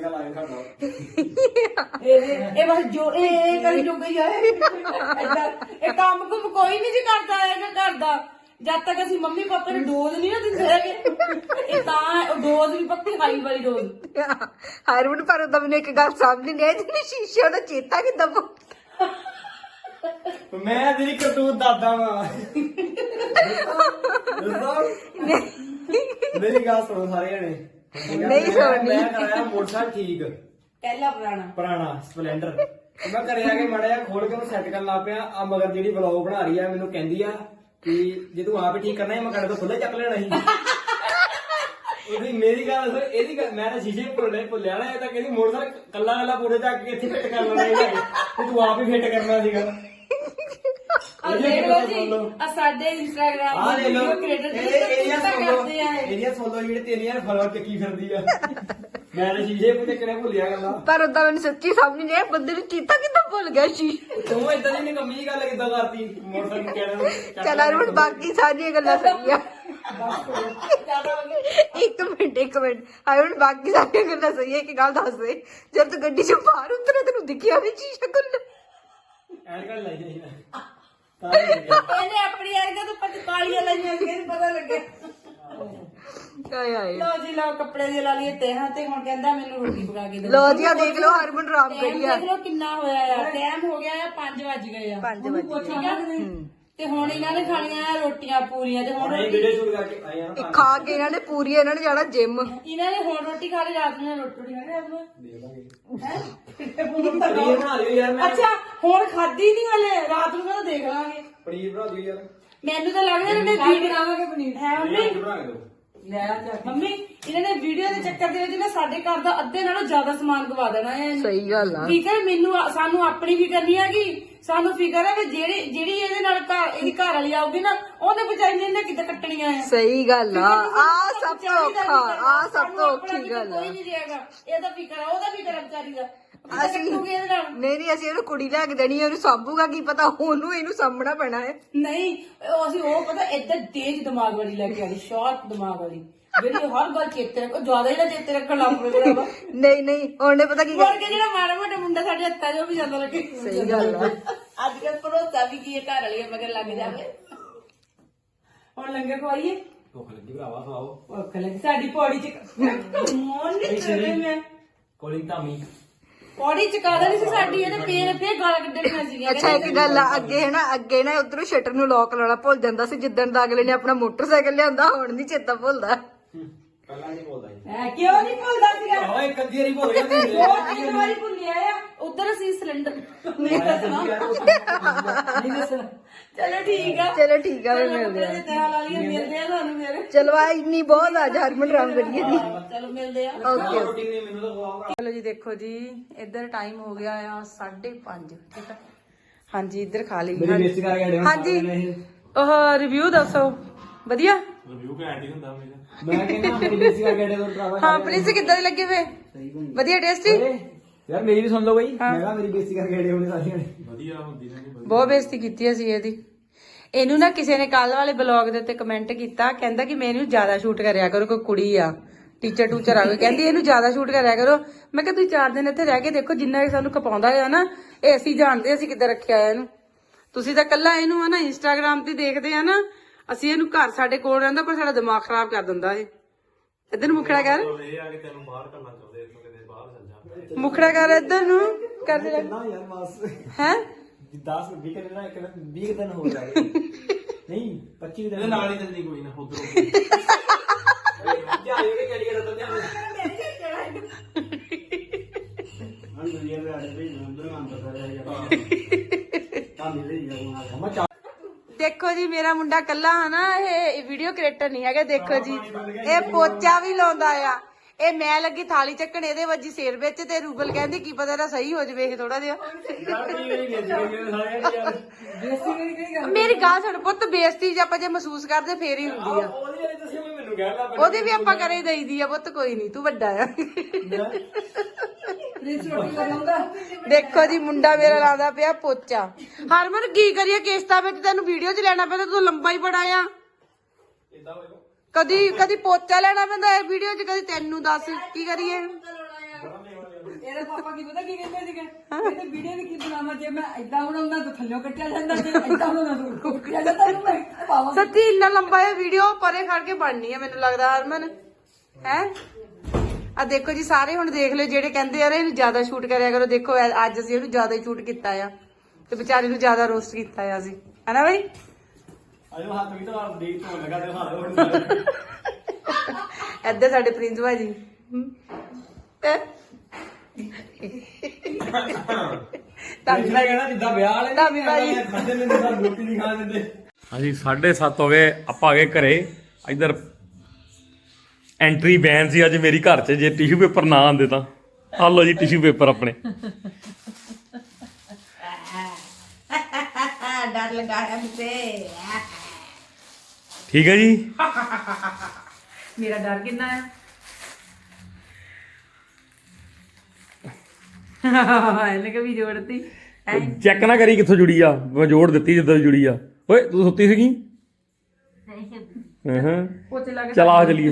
Speaker 2: ਇਹ। ਇਹ ਬਸ ਜੋ ਇਹ ਕਰੀ ਜੋ ਗਈ ਆ, ਇਹ ਕੰਮ ਕੁਮ ਕੋਈ ਨਹੀਂ ਜੀ ਕਰਦਾ ਹੈਗਾ ਘਰ ਦਾ, ਜਦ ਤੱਕ ਅਸੀਂ ਮੰਮੀ ਪਾਪਾ ਨੂੰ ਡੋਜ਼ ਨਹੀਂ ਨਾ ਦਿੰਦੇ ਹੈਗੇ। ਇਹ ਤਾਂ ਡੋਜ਼ ਵੀ ਪੱਕੀ ਹਾਈ ਵਾਲੀ ਡੋਜ਼।
Speaker 3: ਹਰਮਨ ਪਰ ਉਹਦਾ ਮੈਨੂੰ ਇੱਕ ਗੱਲ ਸਮਝ ਨਹੀਂ ਆਈ, ਜਿਹਨੇ ਸ਼ੀਸ਼ੇ ਉਹਦਾ ਚੇਤਾ ਕਿੱਦਾਂ ਭੁੱਲ।
Speaker 5: ਮੈਂ ਤੇਰੀ ਕਰਤੂਤ ਦਾਦਾ ਵਾ। ਮੇਰੀ ਗੱਲ ਸੁਣੋ ਸਾਰੇ ਜਣੇ,
Speaker 2: ਨਹੀਂ ਸੋਣੀ
Speaker 5: ਮੈਂ ਕਰਾਇਆ ਮੋਟਰਸਾਈਕਲ ਠੀਕ
Speaker 2: ਪਹਿਲਾ ਪੁਰਾਣਾ
Speaker 5: ਪੁਰਾਣਾ ਸਪਲੈਂਡਰ ਤੇ ਮੈਂ ਘਰੇ ਆ ਕੇ ਮਾੜਾ ਜਿਹਾ ਖੋਲ ਕੇ ਉਹਨੂੰ ਸੈੱਟ ਕਰਨ ਲੱਗ ਪਿਆ ਆ ਮਗਰ ਜਿਹੜੀ ਬਲੌਗ ਬਣਾ ਰਹੀ ਆ ਮੈਨੂੰ ਕਹਿੰਦੀ ਆ ਕਿ ਜੇ ਤੂੰ ਆਪ ਹੀ ਠੀਕ ਕਰਨਾ ਹੈ ਮੈਂ ਕੱਢ ਤੋਂ ਖੁੱਲੇ ਚੱਕ ਲੈਣਾ ਸੀ ਉਹਦੀ ਮੇਰੀ ਗੱਲ ਸਰ ਇਹਦੀ ਗੱਲ ਮੈਂ ਤਾਂ ਸ਼ੀਸ਼ੇ ਭੁੱਲਣੇ ਭੁੱਲਿਆ ਨਾ ਇਹ ਤਾਂ ਕਹਿੰਦੀ ਮੋਟਰਸਾਈਕਲ ਕੱਲਾ ਕੱਲਾ ਪੂਰੇ ਚੱਕ ਕੇ ਇੱਥੇ ਫਿੱਟ ਕਰ ਲੈਣਾ ਇਹਦਾ ਤੇ ਤੂੰ ਆਪ ਹੀ ਫਿੱਟ ਕਰਨਾ ਸੀਗਾ
Speaker 2: ਆ ਦੇਖ ਲਓ ਜੀ ਆ ਸਾਡੇ ਇੰਸਟਾਗ੍ਰਾਮ
Speaker 5: ਆ
Speaker 2: ਦੇ
Speaker 5: ਲੈ ਲਓ
Speaker 2: ਵੀਡੀਓ ਕ੍ਰੀਏਟਰ
Speaker 5: ਇਹ
Speaker 2: ਜਿਹੜੇ
Speaker 5: ਇਹਦੀਆਂ
Speaker 2: ਕਿੱਦਾਂ
Speaker 5: ਸੋਲੋ
Speaker 2: ਕਰਦੇ ਆ ਇਹ।
Speaker 5: ਇਹਦੀਆਂ ਸੋਲੋ ਜਿਹੜੇ ਤਿੰਨ ਹਜ਼ਾਰ ਫਾਲੋਅਰ ਚੱਕੀ ਫਿਰਦੀ ਆ ਮੈਂ ਤਾਂ ਸ਼ੀਸ਼ੇ ਪੁੱਤੇ ਕਿਹੜੇ ਭੁੱਲਿਆ ਗੱਲਾਂ
Speaker 2: ਪਰ ਉਦਾਂ ਮੈਨੂੰ ਸੱਚੀ ਸਮਝ ਨਹੀਂ ਆਇਆ ਬੰਦੇ ਨੂੰ ਚੀਤਾ ਕਿੱਦਾਂ ਭੁੱਲ ਗਿਆ ਸੀ
Speaker 5: ਤੂੰ ਇਦਾਂ ਦੀ ਨਿਕੰਮੀ ਜਿਹੀ ਗੱਲ ਕਿੱਦਾਂ ਕਰਤੀ ਮੋਟਰਸਾਈਕਲ ਕਹਿਣਾ
Speaker 2: ਚਲ ਅਰੁਣ ਬਾਕੀ ਸਾਰੀਆਂ ਗੱਲਾਂ ਸਹੀ ਆ ਇੱਕ ਮਿੰਟ ਇੱਕ ਮਿੰਟ ਅਰੁਣ ਬਾਕੀ ਸਾਰੀਆਂ ਗੱਲਾਂ ਸਹੀ ਹੈ ਇੱਕ ਗੱਲ ਦੱਸ ਦੇ ਜਦ ਤੂੰ ਗੱਡੀ ਚੋਂ ਬਾਹਰ ਉਤਰਿਆ ਤੈਨੂੰ ਦਿਖਿਆ ਵੀ ਸ਼ੀਸ਼ਾ ਖੁੱਲ੍ਹਾ
Speaker 5: ਐਨਕਾਂ ਲਾਈ ਜਾਈ ਨਾ ਤਾਂ ਹੀ ਲੱਗਿਆ।
Speaker 2: ਇਹਨੇ ਆਪਣੀ ਐਨਕਾਂ ਤੋਂ ਪੱਟ ਕਾਲੀਆਂ ਲਾਈਆਂ ਸੀ ਇਹਨੂੰ ਪਤਾ ਲੱਗਿਆ ਆਏ ਆਏ
Speaker 6: ਲੋ ਜੀ ਲੋ ਕੱਪੜੇ ਦੀ ਲਾ ਲਈਏ ਤੇਹਾਂ ਤੇ ਹੁਣ ਕਹਿੰਦਾ ਮੈਨੂੰ ਰੋਟੀ ਪਕਾ ਕੇ ਦੇ
Speaker 2: ਲੋ ਜੀ ਆ ਦੇਖ ਲਓ ਹਰਮਨ ਰਾਮ
Speaker 6: ਟਾਈਮ
Speaker 2: ਕਰੀ ਆ
Speaker 6: ਦੇਖ ਲਓ ਕਿੰਨਾ ਹੋਇਆ ਆ ਟਾਈਮ ਹੋ ਗਿਆ ਆ ਪੰਜ ਵੱਜ ਗਏ ਆ
Speaker 2: ਪੰਜ ਵਜੇ
Speaker 6: ਠੀਕ ਆ ਤੇ ਹੁਣ ਇਹਨਾਂ ਨੇ ਖਾਣੀਆਂ ਆ ਰੋਟੀਆਂ ਪੂਰੀਆਂ ਤੇ ਹੁਣ
Speaker 5: ਹੁਣ ਇਹ ਵੀਡੀਓ ਸ਼ੂਟ ਕਰਕੇ ਆਏ ਆ ਨਾ
Speaker 2: ਖਾ ਕੇ ਇਹਨਾਂ ਨੇ ਪੂਰੀ ਇਹਨਾਂ ਨੇ ਜਾਣਾ ਜਿਮ
Speaker 6: ਇਹਨਾਂ ਨੇ ਹੁਣ ਰੋਟੀ ਖਾ ਲਈ ਰਾਤ ਨੂੰ ਰੋਟੀ ਰੋਟੀ ਖਾ ਲਈ ਰਾਤ ਨੂੰ
Speaker 5: ਪਨੀਰ ਬਣਾ ਲਿਓ ਯਾਰ ਮੈਂ
Speaker 6: ਅੱਛਾ ਹੁਣ ਖਾਦੀ ਨਹੀਂ ਹਲੇ ਰਾਤ ਨੂੰ ਕਹਿੰਦਾ ਦੇਖ ਲਾਂਗੇ
Speaker 5: ਪਨੀਰ ਬਣਾ ਦਿਓ ਯਾਰ
Speaker 6: ਮੈਨੂੰ ਤਾਂ ਲੱਗਦਾ ਇਹਨਾਂ ਨੇ ਵੀਡੀਓ ਬਣਾਵਾਂਗੇ ਪਨੀਰ ਹੈ ਮੰਮੀ
Speaker 5: ਬਣਾ ਕੇ ਦਿਓ
Speaker 6: ਮੰਮੀ ਇਹਨਾਂ ਨੇ ਵੀਡੀਓ ਦੇ ਚੱਕਰ ਦੇ ਵਿੱਚ ਨਾ ਸਾਡੇ ਘਰ ਦਾ ਅੱਧੇ ਨਾਲੋਂ ਜ਼ਿਆਦਾ ਸਮਾਨ ਗਵਾ ਦੇਣਾ ਹੈ
Speaker 2: ਸਹੀ ਗੱਲ ਆ
Speaker 6: ਠੀਕ ਹੈ ਮੈਨੂੰ ਸਾਨੂੰ ਆਪਣੀ ਫਿਕਰ ਨਹੀਂ ਹੈਗੀ ਸਾਨੂੰ ਫਿਕਰ ਹੈ ਵੀ ਜਿਹੜੀ ਜਿਹੜੀ ਇਹਦੇ ਨਾਲ ਘਰ ਇਹਦੀ ਘਰ ਵਾਲੀ ਆਊਗੀ ਨਾ ਉਹਨੇ ਵਿਚਾਰੀ ਨੇ ਇਹਨੇ ਕਿੱਦਾਂ ਕੱਟਣੀਆਂ ਆ
Speaker 2: ਸਹੀ ਗੱਲ ਆ ਆ ਸਭ ਤੋਂ ਔਖਾ ਆ ਸਭ
Speaker 6: ਸਾਨੂੰ
Speaker 2: ਤੋਂ
Speaker 6: ਆਪਣਾ
Speaker 2: ਔਖੀ
Speaker 6: ਫਿਕਰ
Speaker 2: ਗੱਲ ਆ
Speaker 6: ਕੋਈ ਨਹੀਂ ਰਹੇਗਾ ਇਹਦਾ ਫਿਕਰ ਆ ਉਹਦਾ ਫਿਕਰ ਆ ਵਿਚਾਰੀ ਦਾ
Speaker 2: ਅਸੀਂ
Speaker 6: ਕੱਟੂਗੀ ਇਹਦੇ ਨਾਲ
Speaker 2: ਨਹੀਂ ਨਹੀਂ ਅਸੀਂ ਉਹਨੂੰ ਕੁੜੀ ਲੈ ਕੇ ਦੇਣੀ ਉਹਨੂੰ ਸਾਂਭੂਗਾ ਕੀ ਪਤਾ ਉਹਨੂੰ ਇਹਨੂੰ ਸਾਂਭਣਾ ਪੈਣਾ ਹੈ
Speaker 6: ਨਹੀਂ ਉਹ ਅਸੀਂ ਉਹ ਪਤਾ ਏਦਾਂ ਤੇਜ਼ ਦਿਮਾਗ ਵਾਲੀ ਲੈ ਕੇ ਆਈ ਸ਼ਾਰਪ ਦਿਮਾਗ ਵਾਲੀ ਜਿਹੜੀ ਹਰ ਗੱਲ ਚੇਤੇ ਰੱਖੋ ਜ਼ਿਆਦਾ ਜਿਹੜਾ ਚੇਤੇ ਰੱਖਣ ਲੱਗ ਪਵੇ ਜਿਹੜਾ ਵਾ
Speaker 2: ਨਹੀਂ ਨਹੀਂ ਉਹਨੇ ਪਤਾ ਕੀ
Speaker 6: ਮੁੜ ਕੇ ਜਿਹੜਾ ਮਾੜਾ ਮੋਟਾ ਮੁੰਡਾ ਸਾਡੇ ਹੱਥਾਂ 'ਚ ਉਹ ਵੀ ਜਾਂਦਾ ਲੱਗੇ
Speaker 2: ਸਹੀ ਗੱਲ ਆ
Speaker 6: ਅੱਜ ਕੱਲ ਭਰੋਸਾ ਵੀ ਕੀ ਹੈ ਘਰ ਵਾਲੀ ਮਗਰ ਲੱਗ ਜਾਵੇ ਹੁਣ ਲੰਗਰ ਖਵਾਈਏ
Speaker 5: ਭੁੱਖ ਲੱਗੀ ਭਰਾਵਾ ਖਾਓ
Speaker 6: ਭੁੱਖ ਲੱਗੀ ਸਾਡੀ ਪੌੜੀ 'ਚ ਮੋਨ ਨਹੀਂ ਚਲੇ ਮੈਂ
Speaker 5: ਕੋਲਿੰਗ ਧਾਮੀ
Speaker 6: ਪੌੜੀ ਚਕਾ ਦੇਣੀ ਸੀ ਸਾਡੀ ਇਹਨੇ ਫੇਰ ਫੇਰ ਗਾਲਾਂ ਕੱਢਣੀਆਂ ਸੀਗੀਆਂ
Speaker 2: ਅੱਛਾ ਇੱਕ ਗੱਲ ਆ ਅੱਗੇ ਹੈ ਨਾ ਅੱਗੇ ਨਾ ਉਧਰੋਂ ਸ਼ਟਰ ਨੂੰ ਲੋਕ ਲਾਉਣਾ ਭੁੱਲ ਜਾਂਦਾ ਸੀ ਜਿੱਦਣ ਦਾ ਅਗਲੇ ਨੇ ਆਪਣਾ ਮੋਟਰਸਾਈਕਲ ਲਿਆਂਦਾ ਹੁਣ ਨਹੀਂ ਚੇਤਾ ਭੁੱਲਦਾ
Speaker 5: ਪਹਿਲਾਂ ਨਹੀਂ ਬੋਲਦਾ ਜੀ
Speaker 6: ਐ ਕਿਉਂ ਨਹੀਂ ਭੁੱਲਦਾ ਸੀਗਾ
Speaker 5: ਓਏ ਇੱਕ ਅੱਧੀ ਵਾਰੀ ਭੁੱਲ ਗਿਆ ਤੂੰ
Speaker 6: ਉਹ ਤਿੰਨ ਵਾਰੀ ਭੁੱਲਿਆ ਆ ਉਧਰ ਅਸੀਂ ਸਿਲੰਡਰ ਨਹੀਂ ਦੱਸਣਾ ਨਹੀਂ ਦੱਸਣਾ ਚਲੋ ਠੀਕ ਆ
Speaker 2: ਚਲੋ ਠੀਕ ਆ ਫਿਰ ਮਿਲਦੇ ਆ
Speaker 6: ਤੇਰਾ ਲਾ ਲਈਏ ਮਿਲਦੇ ਆ ਤੁਹਾਨੂੰ ਮੇਰੇ
Speaker 2: ਚਲੋ ਆ ਇੰਨੀ ਬਹੁਤ ਆ ਹਰਮਨ ਰਾਮ ਕਰੀਏ ਦੀ
Speaker 6: ਚਲੋ ਮਿਲਦੇ ਆ
Speaker 2: ਓਕੇ
Speaker 5: ਰੋਟੀ ਨਹੀਂ ਮੈਨੂੰ ਤਾਂ ਖਵਾਓ
Speaker 2: ਚਲੋ ਜੀ ਦੇਖੋ ਜੀ ਇੱਧਰ ਟਾਈਮ ਹੋ ਗਿਆ ਆ ਸਾਢੇ ਪੰਜ ਠੀਕ ਆ ਹਾਂਜੀ ਇੱਧਰ ਖਾ ਲਈ
Speaker 5: ਮੇਰੀ ਬੇਇੱਜ਼ਤੀ ਕਰਕੇ ਹਟਿਆ
Speaker 2: ਹਾਂਜੀ ਉਹ ਰਿਵਿਊ ਦੱਸੋ ਵਧੀਆ
Speaker 1: ਰਿਵਿਊ ਘੈਂਟ ਹੀ ਹੁੰਦਾ ਮੇਰਾ
Speaker 5: ਮੈਂ ਕਹਿੰਦਾ ਮੇਰੀ ਬੇਇੱਜ਼ਤੀ ਕਰਕੇ ਹਟਿਆ ਤੋਂ ਭਰਾਵਾ
Speaker 2: ਹਾਂ ਪ੍ਰਿੰਸ ਕਿੱਦਾਂ ਦੇ ਲੱਗੇ ਵੇ ਵਧੀਆ ਟੇਸਟੀ
Speaker 5: ਯਾਰ ਮੇਰੀ ਵੀ ਸੁਣ ਲਓ ਬਈ ਮੈਂ ਕਿਹਾ ਮੇਰੀ ਬੇਇੱਜ਼ਤੀ ਕਰਕੇ ਹਟੇ ਹੋਣੇ ਸਾਰਿਆਂ ਨੇ
Speaker 1: ਵਧੀਆ ਹੁੰਦੀ ਨਾ
Speaker 2: ਬਹੁਤ ਬੇਇੱਜ਼ਤੀ ਕੀਤੀ ਅਸੀਂ ਇਹਦੀ ਇਹਨੂੰ ਨਾ ਕਿਸੇ ਨੇ ਕੱਲ ਵਾਲੇ ਬਲੌਗ ਦੇ ਉੱਤੇ ਕਮੈਂਟ ਕੀਤਾ ਕਹਿੰਦਾ ਕਿ ਮੈਨੂੰ ਜ਼ਿਆਦਾ ਸ਼ੂਟ ਕਰਿਆ ਕਰੋ ਕੋਈ ਕੁੜੀ ਆ ਟੀਚਰ ਟੂਚਰ ਆ ਗਈ ਕਹਿੰਦੀ ਇਹਨੂੰ ਜ਼ਿਆਦਾ ਸ਼ੂਟ ਕਰਿਆ ਕਰੋ ਮੈਂ ਕਿਹਾ ਤੁਸੀਂ ਚਾਰ ਦਿਨ ਇੱਥੇ ਰਹਿ ਕੇ ਦੇਖੋ ਜਿੰਨਾ ਇਹ ਸਾਨੂੰ ਖਪਾਉਂਦਾ ਆ ਨਾ ਇਹ ਅਸੀਂ ਜਾਣਦੇ ਅਸੀਂ ਕਿੱਦਾਂ ਰੱਖਿਆ ਆ ਇਹਨੂੰ ਤੁਸੀਂ ਤਾਂ ਕੱਲਾ ਇਹਨੂੰ ਆ ਨਾ ਇੰਸਟਾਗ੍ਰਾਮ ਤੇ ਦੇਖਦੇ ਆ ਨਾ ਅਸੀਂ ਇਹਨੂੰ ਘਰ ਸਾਡੇ ਕੋਲ ਰਹਿੰਦਾ ਪਰ ਸਾਡਾ ਦਿਮਾਗ ਖਰਾਬ ਕਰ ਦਿੰਦਾ ਇਹ ਇੱਧਰ ਨੂੰ ਮੁਖੜਾ ਕਰ
Speaker 1: ਇਹ ਆ ਕਿ ਤੈਨੂੰ ਬਾਹਰ ਕਰਨਾ ਚਾਹੁੰਦੇ ਇਸ ਕਿਤੇ ਬਾਹਰ ਚੱਲ ਜਾ
Speaker 2: ਮੁਖੜਾ ਕਰ ਇੱਧਰ ਨੂੰ ਕਰ ਦੇ
Speaker 5: ਨਾ ਯਾਰ ਮਾਸ
Speaker 2: ਹੈ
Speaker 5: ਦਸ ਵੀਹ ਦਿਨ ਨਾ ਇੱਕ ਦਿਨ ਵੀਹ ਦਿਨ ਹੋ ਜਾਏ ਨਹੀਂ ਪੱਚੀ ਦਿਨ
Speaker 1: ਨਾਲ ਹੀ ਚੱਲਦੀ ਕੋਈ ਨਾ ਉਧਰੋਂ
Speaker 5: ਜਾ ਇਹ ਕਿਹੜੀ ਗੱਲ ਤਾਂ ਧਿਆਨ ਹਾਂ ਦੁਨੀਆ ਦੇ ਆੜੇ ਵੀ ਨੰਬਰ ਮੰਨ ਤਾਂ ਰਿਹਾ ਤਾਂ ਮਿਲੇ ਹੀ ਜਾਊਗਾ
Speaker 2: ਦੇਖੋ ਜੀ ਮੇਰਾ ਮੁੰਡਾ ਕੱਲਾ ਹਨਾ ਇਹ ਵੀਡੀਓ ਕ੍ਰੀਏਟਰ ਨਹੀਂ ਹੈਗਾ ਦੇਖੋ ਜੀ ਇਹ ਪੋਚਾ ਵੀ ਲਾਉਂਦਾ ਆ ਇਹ ਮੈਂ ਲੱਗੀ ਥਾਲੀ ਚੱਕਣ ਇਹਦੇ ਵੱਜੀ ਸਿਰ ਵਿੱਚ ਤੇ ਰੂਬਲ ਕਹਿੰਦੀ ਕੀ ਪਤਾ ਨਾ ਸਹੀ ਹੋ ਜਵੇ ਇਹ ਥੋੜਾ ਜਿਹਾ ਮੇਰੀ ਗੱਲ ਸੁਣ ਪੁੱਤ ਬੇਇੱਜ਼ਤੀ ਜੇ ਆਪਾਂ ਜੇ ਮਹਿਸੂਸ ਕਰਦੇ ਫੇਰ ਹੀ ਹੁੰਦੀ ਆ
Speaker 5: ਉਹਦੀ ਵਾਲੀ ਤੁਸੀਂ ਮੈਨੂੰ ਕਹਿ ਲਾ
Speaker 2: ਉਹਦੀ ਵੀ ਆਪਾਂ ਕਰੇ ਦਈਦੀ ਆ ਪੁੱਤ ਕੋਈ ਨਹੀਂ ਤੂੰ ਵੱਡਾ ਆ ਦੇਖੋ ਜੀ ਮੁੰਡਾ ਮੇਰਾ ਲਾਦਾ ਪਿਆ ਪੋਚਾ ਹਰਮਨ ਕੀ ਕਰੀਏ ਕਿਸ਼ਤਾਂ ਵਿੱਚ ਤੈਨੂੰ ਵੀਡੀਓ 'ਚ ਲੈਣਾ ਪੈਂਦਾ ਤੂੰ ਲੰਬਾ ਹੀ ਬੜਾ ਆ ਕਦੀ ਕਦੀ ਪੋਚਾ ਲੈਣਾ ਪੈਂਦਾ ਇਹ ਵੀਡੀਓ 'ਚ ਕਦੀ ਤੈਨੂੰ ਦੱਸ ਕੀ ਕਰੀਏ
Speaker 6: ਇਹਦੇ ਪਾਪਾ ਕੀ ਪਤਾ ਕੀ ਕਹਿੰਦੇ ਸੀਗੇ ਕਹਿੰਦੇ ਵੀਡੀਓ ਵੀ ਕੀ ਬਣਾਵਾਂ ਜੇ ਮੈਂ ਏਦਾਂ ਬਣਾਉਂਦਾ ਤਾਂ ਥੱਲੋਂ ਕੱਟਿਆ ਜਾਂਦਾ ਜੇ ਏਦਾਂ ਬਣਾਉਂਦਾ ਤਾਂ ਕੱਟਿਆ ਜਾਂਦਾ ਤਾਂ ਮੈਂ ਪਾਵਾਂ
Speaker 2: ਸੱਚੀ ਇੰਨਾ ਲੰਬਾ ਇਹ ਵੀਡੀਓ ਪਰੇ ਖੜ ਕੇ ਬਣਨੀ ਆ ਮੈਨੂੰ ਲੱਗਦਾ ਹਰਮਨ ਹੈ ਆ ਦੇਖੋ ਜੀ ਸਾਰੇ ਹੁਣ ਦੇਖ ਲਿਓ ਜਿਹੜੇ ਕਹਿੰਦੇ ਯਾਰ ਇਹਨੂੰ ਜ਼ਿਆਦਾ ਸ਼ੂਟ ਕਰਿਆ ਕਰੋ ਦੇਖੋ ਅੱਜ ਅਸੀਂ ਇਹਨੂੰ ਜ਼ਿਆਦਾ ਹੀ ਸ਼ੂਟ ਕੀਤਾ ਆ ਤੇ ਵਿਚਾਰੇ ਨੂੰ ਜ਼ਿਆਦਾ ਰੋਸਟ ਕੀਤਾ ਆ ਅਸੀਂ ਹਨਾ ਬਈ
Speaker 5: ਅਜੋ ਹੱਥ ਵੀ ਤਾਂ ਦੇਖ ਤੋਂ ਲਗਾ ਤੇ ਹਾਲ
Speaker 2: ਇੱਧਰ ਸਾਡੇ ਪ੍ਰਿੰਸ ਭਾਜੀ
Speaker 5: ਤਾਂ ਕਹਿਣਾ ਜਿੱਦਾਂ ਵਿਆਹ ਵਾਲੇ
Speaker 2: ਧਾਮੀ ਭਾਜੀ।
Speaker 5: ਖਾਂਦੇ ਨੇ ਜਿੱਦਾਂ ਰੋਟੀ ਨਹੀਂ ਖਾ ਦਿੰਦੇ।
Speaker 1: ਹਾਂਜੀ ਸਾਢੇ ਸੱਤ ਹੋ ਗਏ ਆਪਾਂ ਆ ਗਏ ਘਰੇ। ਇੱਧਰ ਐਂਟਰੀ ਬੈਨ ਸੀ ਅੱਜ ਮੇਰੀ ਘਰ 'ਚ, ਜੇ ਟਿਸ਼ੂ ਪੇਪਰ ਨਾ ਆਉਂਦੇ ਤਾਂ ਆ ਲਓ ਜੀ ਟਿਸ਼ੂ ਪੇਪਰ ਆਪਣੇ।
Speaker 2: ਡਰ ਲਗਾਇਆ ਮੁਝੇ।
Speaker 1: ਠੀਕ ਹੈ ਜੀ।
Speaker 2: ਮੇਰਾ ਡਰ ਕਿੰਨਾ ਹੈ? ਇਹਨੇ ਕभी ਜੋੜਤੀ
Speaker 1: ਚੈੱਕ ਨਾ ਕਰੀ ਕਿੱਥੋਂ ਜੁੜੀ ਆ, ਮੈਂ ਜੋੜ ਦਿੱਤੀ ਜਿੱਦਾਂ ਦੀ ਜੁੜੀ ਆ। ਓਏ ਤੂੰ ਸੁੱਤੀ ਸੀਗੀ? ਹਾਂ ਹਾਂ
Speaker 2: ਪੋਚੇ ਲਾ ਕੇ
Speaker 1: ਚਲ ਆ ਚਲੀਏ।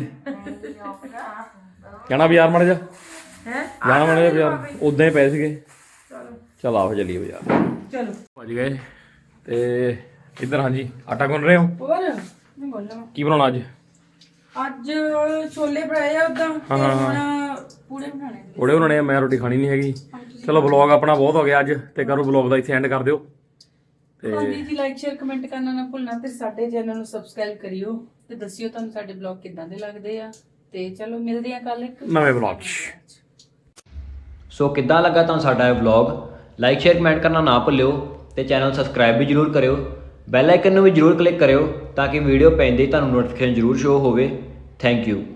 Speaker 1: ਕਹਿਣਾ ਬਾਜ਼ਾਰ ਮੜ ਜਾ।
Speaker 2: ਹੈ
Speaker 1: ਜਾਣਾ ਮੜ ਜਾ ਬਾਜ਼ਾਰ, ਉਦਾਂ ਹੀ ਪਏ ਸੀਗੇ। ਚਲ ਆਓ ਚਲੀਏ ਬਾਜ਼ਾਰ।
Speaker 2: ਚਲੋ
Speaker 1: ਪਹੁੰਚ ਗਏ ਤੇ ਇੱਧਰ ਹਾਂਜੀ ਆਟਾ ਗੁੰਨ ਰਹੇ ਹੋ।
Speaker 2: ਹੋਰ ਮੈਂ ਬੋਲਾਂ
Speaker 1: ਕੀ ਬਣਾਉਣਾ ਅੱਜ?
Speaker 2: ਅੱਜ ਛੋਲੇ ਬਣਾਏ ਆ ਉਦਾਂ
Speaker 1: ਹਾਂ, ਹਾਂ, ਹਾਂ।
Speaker 2: ਹੁਣ ਪੂੜੇ ਬਣਾਣੇ
Speaker 1: ਉਹੜੇ ਬਣਾਉਣੇ ਆ, ਮੈਂ ਰੋਟੀ ਖਾਣੀ ਨਹੀਂ ਹੈਗੀ। ਚਲੋ ਵਲੌਗ ਆਪਣਾ ਬਹੁਤ ਹੋ ਗਿਆ ਅੱਜ, ਤੇ ਕਰੋ ਵਲੌਗ ਦਾ ਇੱਥੇ ਐਂਡ ਕਰ ਦਿਓ। ਤੇ
Speaker 2: ਹਾਂਜੀ ਜੀ, ਲਾਈਕ ਸ਼ੇਅਰ ਕਮੈਂਟ ਕਰਨਾ ਨਾ ਭੁੱਲਣਾ ਤੇ ਸਾਡੇ ਚੈਨਲ ਨੂੰ ਸਬਸਕ੍ਰਾਈਬ ਕਰਿਓ ਤੇ ਦੱਸਿਓ ਤੁਹਾਨੂੰ ਸਾਡੇ ਬਲੌਗ ਕਿੱਦਾਂ ਦੇ ਲੱਗਦੇ ਆ। ਤੇ ਚਲੋ ਮਿਲਦੇ ਆ ਕੱਲ ਇੱਕ
Speaker 1: ਨਵੇਂ ਵਲੌਗ 'ਚ।
Speaker 5: ਸੋ ਕਿੱਦਾਂ ਲੱਗਾ ਤੁਹਾਨੂੰ ਸਾਡਾ ਇਹ ਵਲੌਗ? ਲਾਈਕ ਸ਼ੇਅਰ ਕਮੈਂਟ ਕਰਨਾ ਨਾ ਭੁੱਲਿਓ ਤੇ ਚੈਨਲ ਸਬਸਕ੍ਰਾਈਬ ਵੀ ਜਰੂਰ ਕਰਿਓ। ਬੈਲ ਆਈਕਨ ਨੂੰ ਵੀ ਜਰੂਰ ਕਲਿੱਕ ਕਰਿਓ ਤਾਂ ਕਿ ਵੀਡੀਓ ਪੈਂਦੇ ਹੀ ਤੁਹਾਨੂੰ ਨੋਟੀਫਿਕੇਸ਼ਨ ਜਰੂਰ ਸ਼ੋ ਹੋਵੇ। Thank you.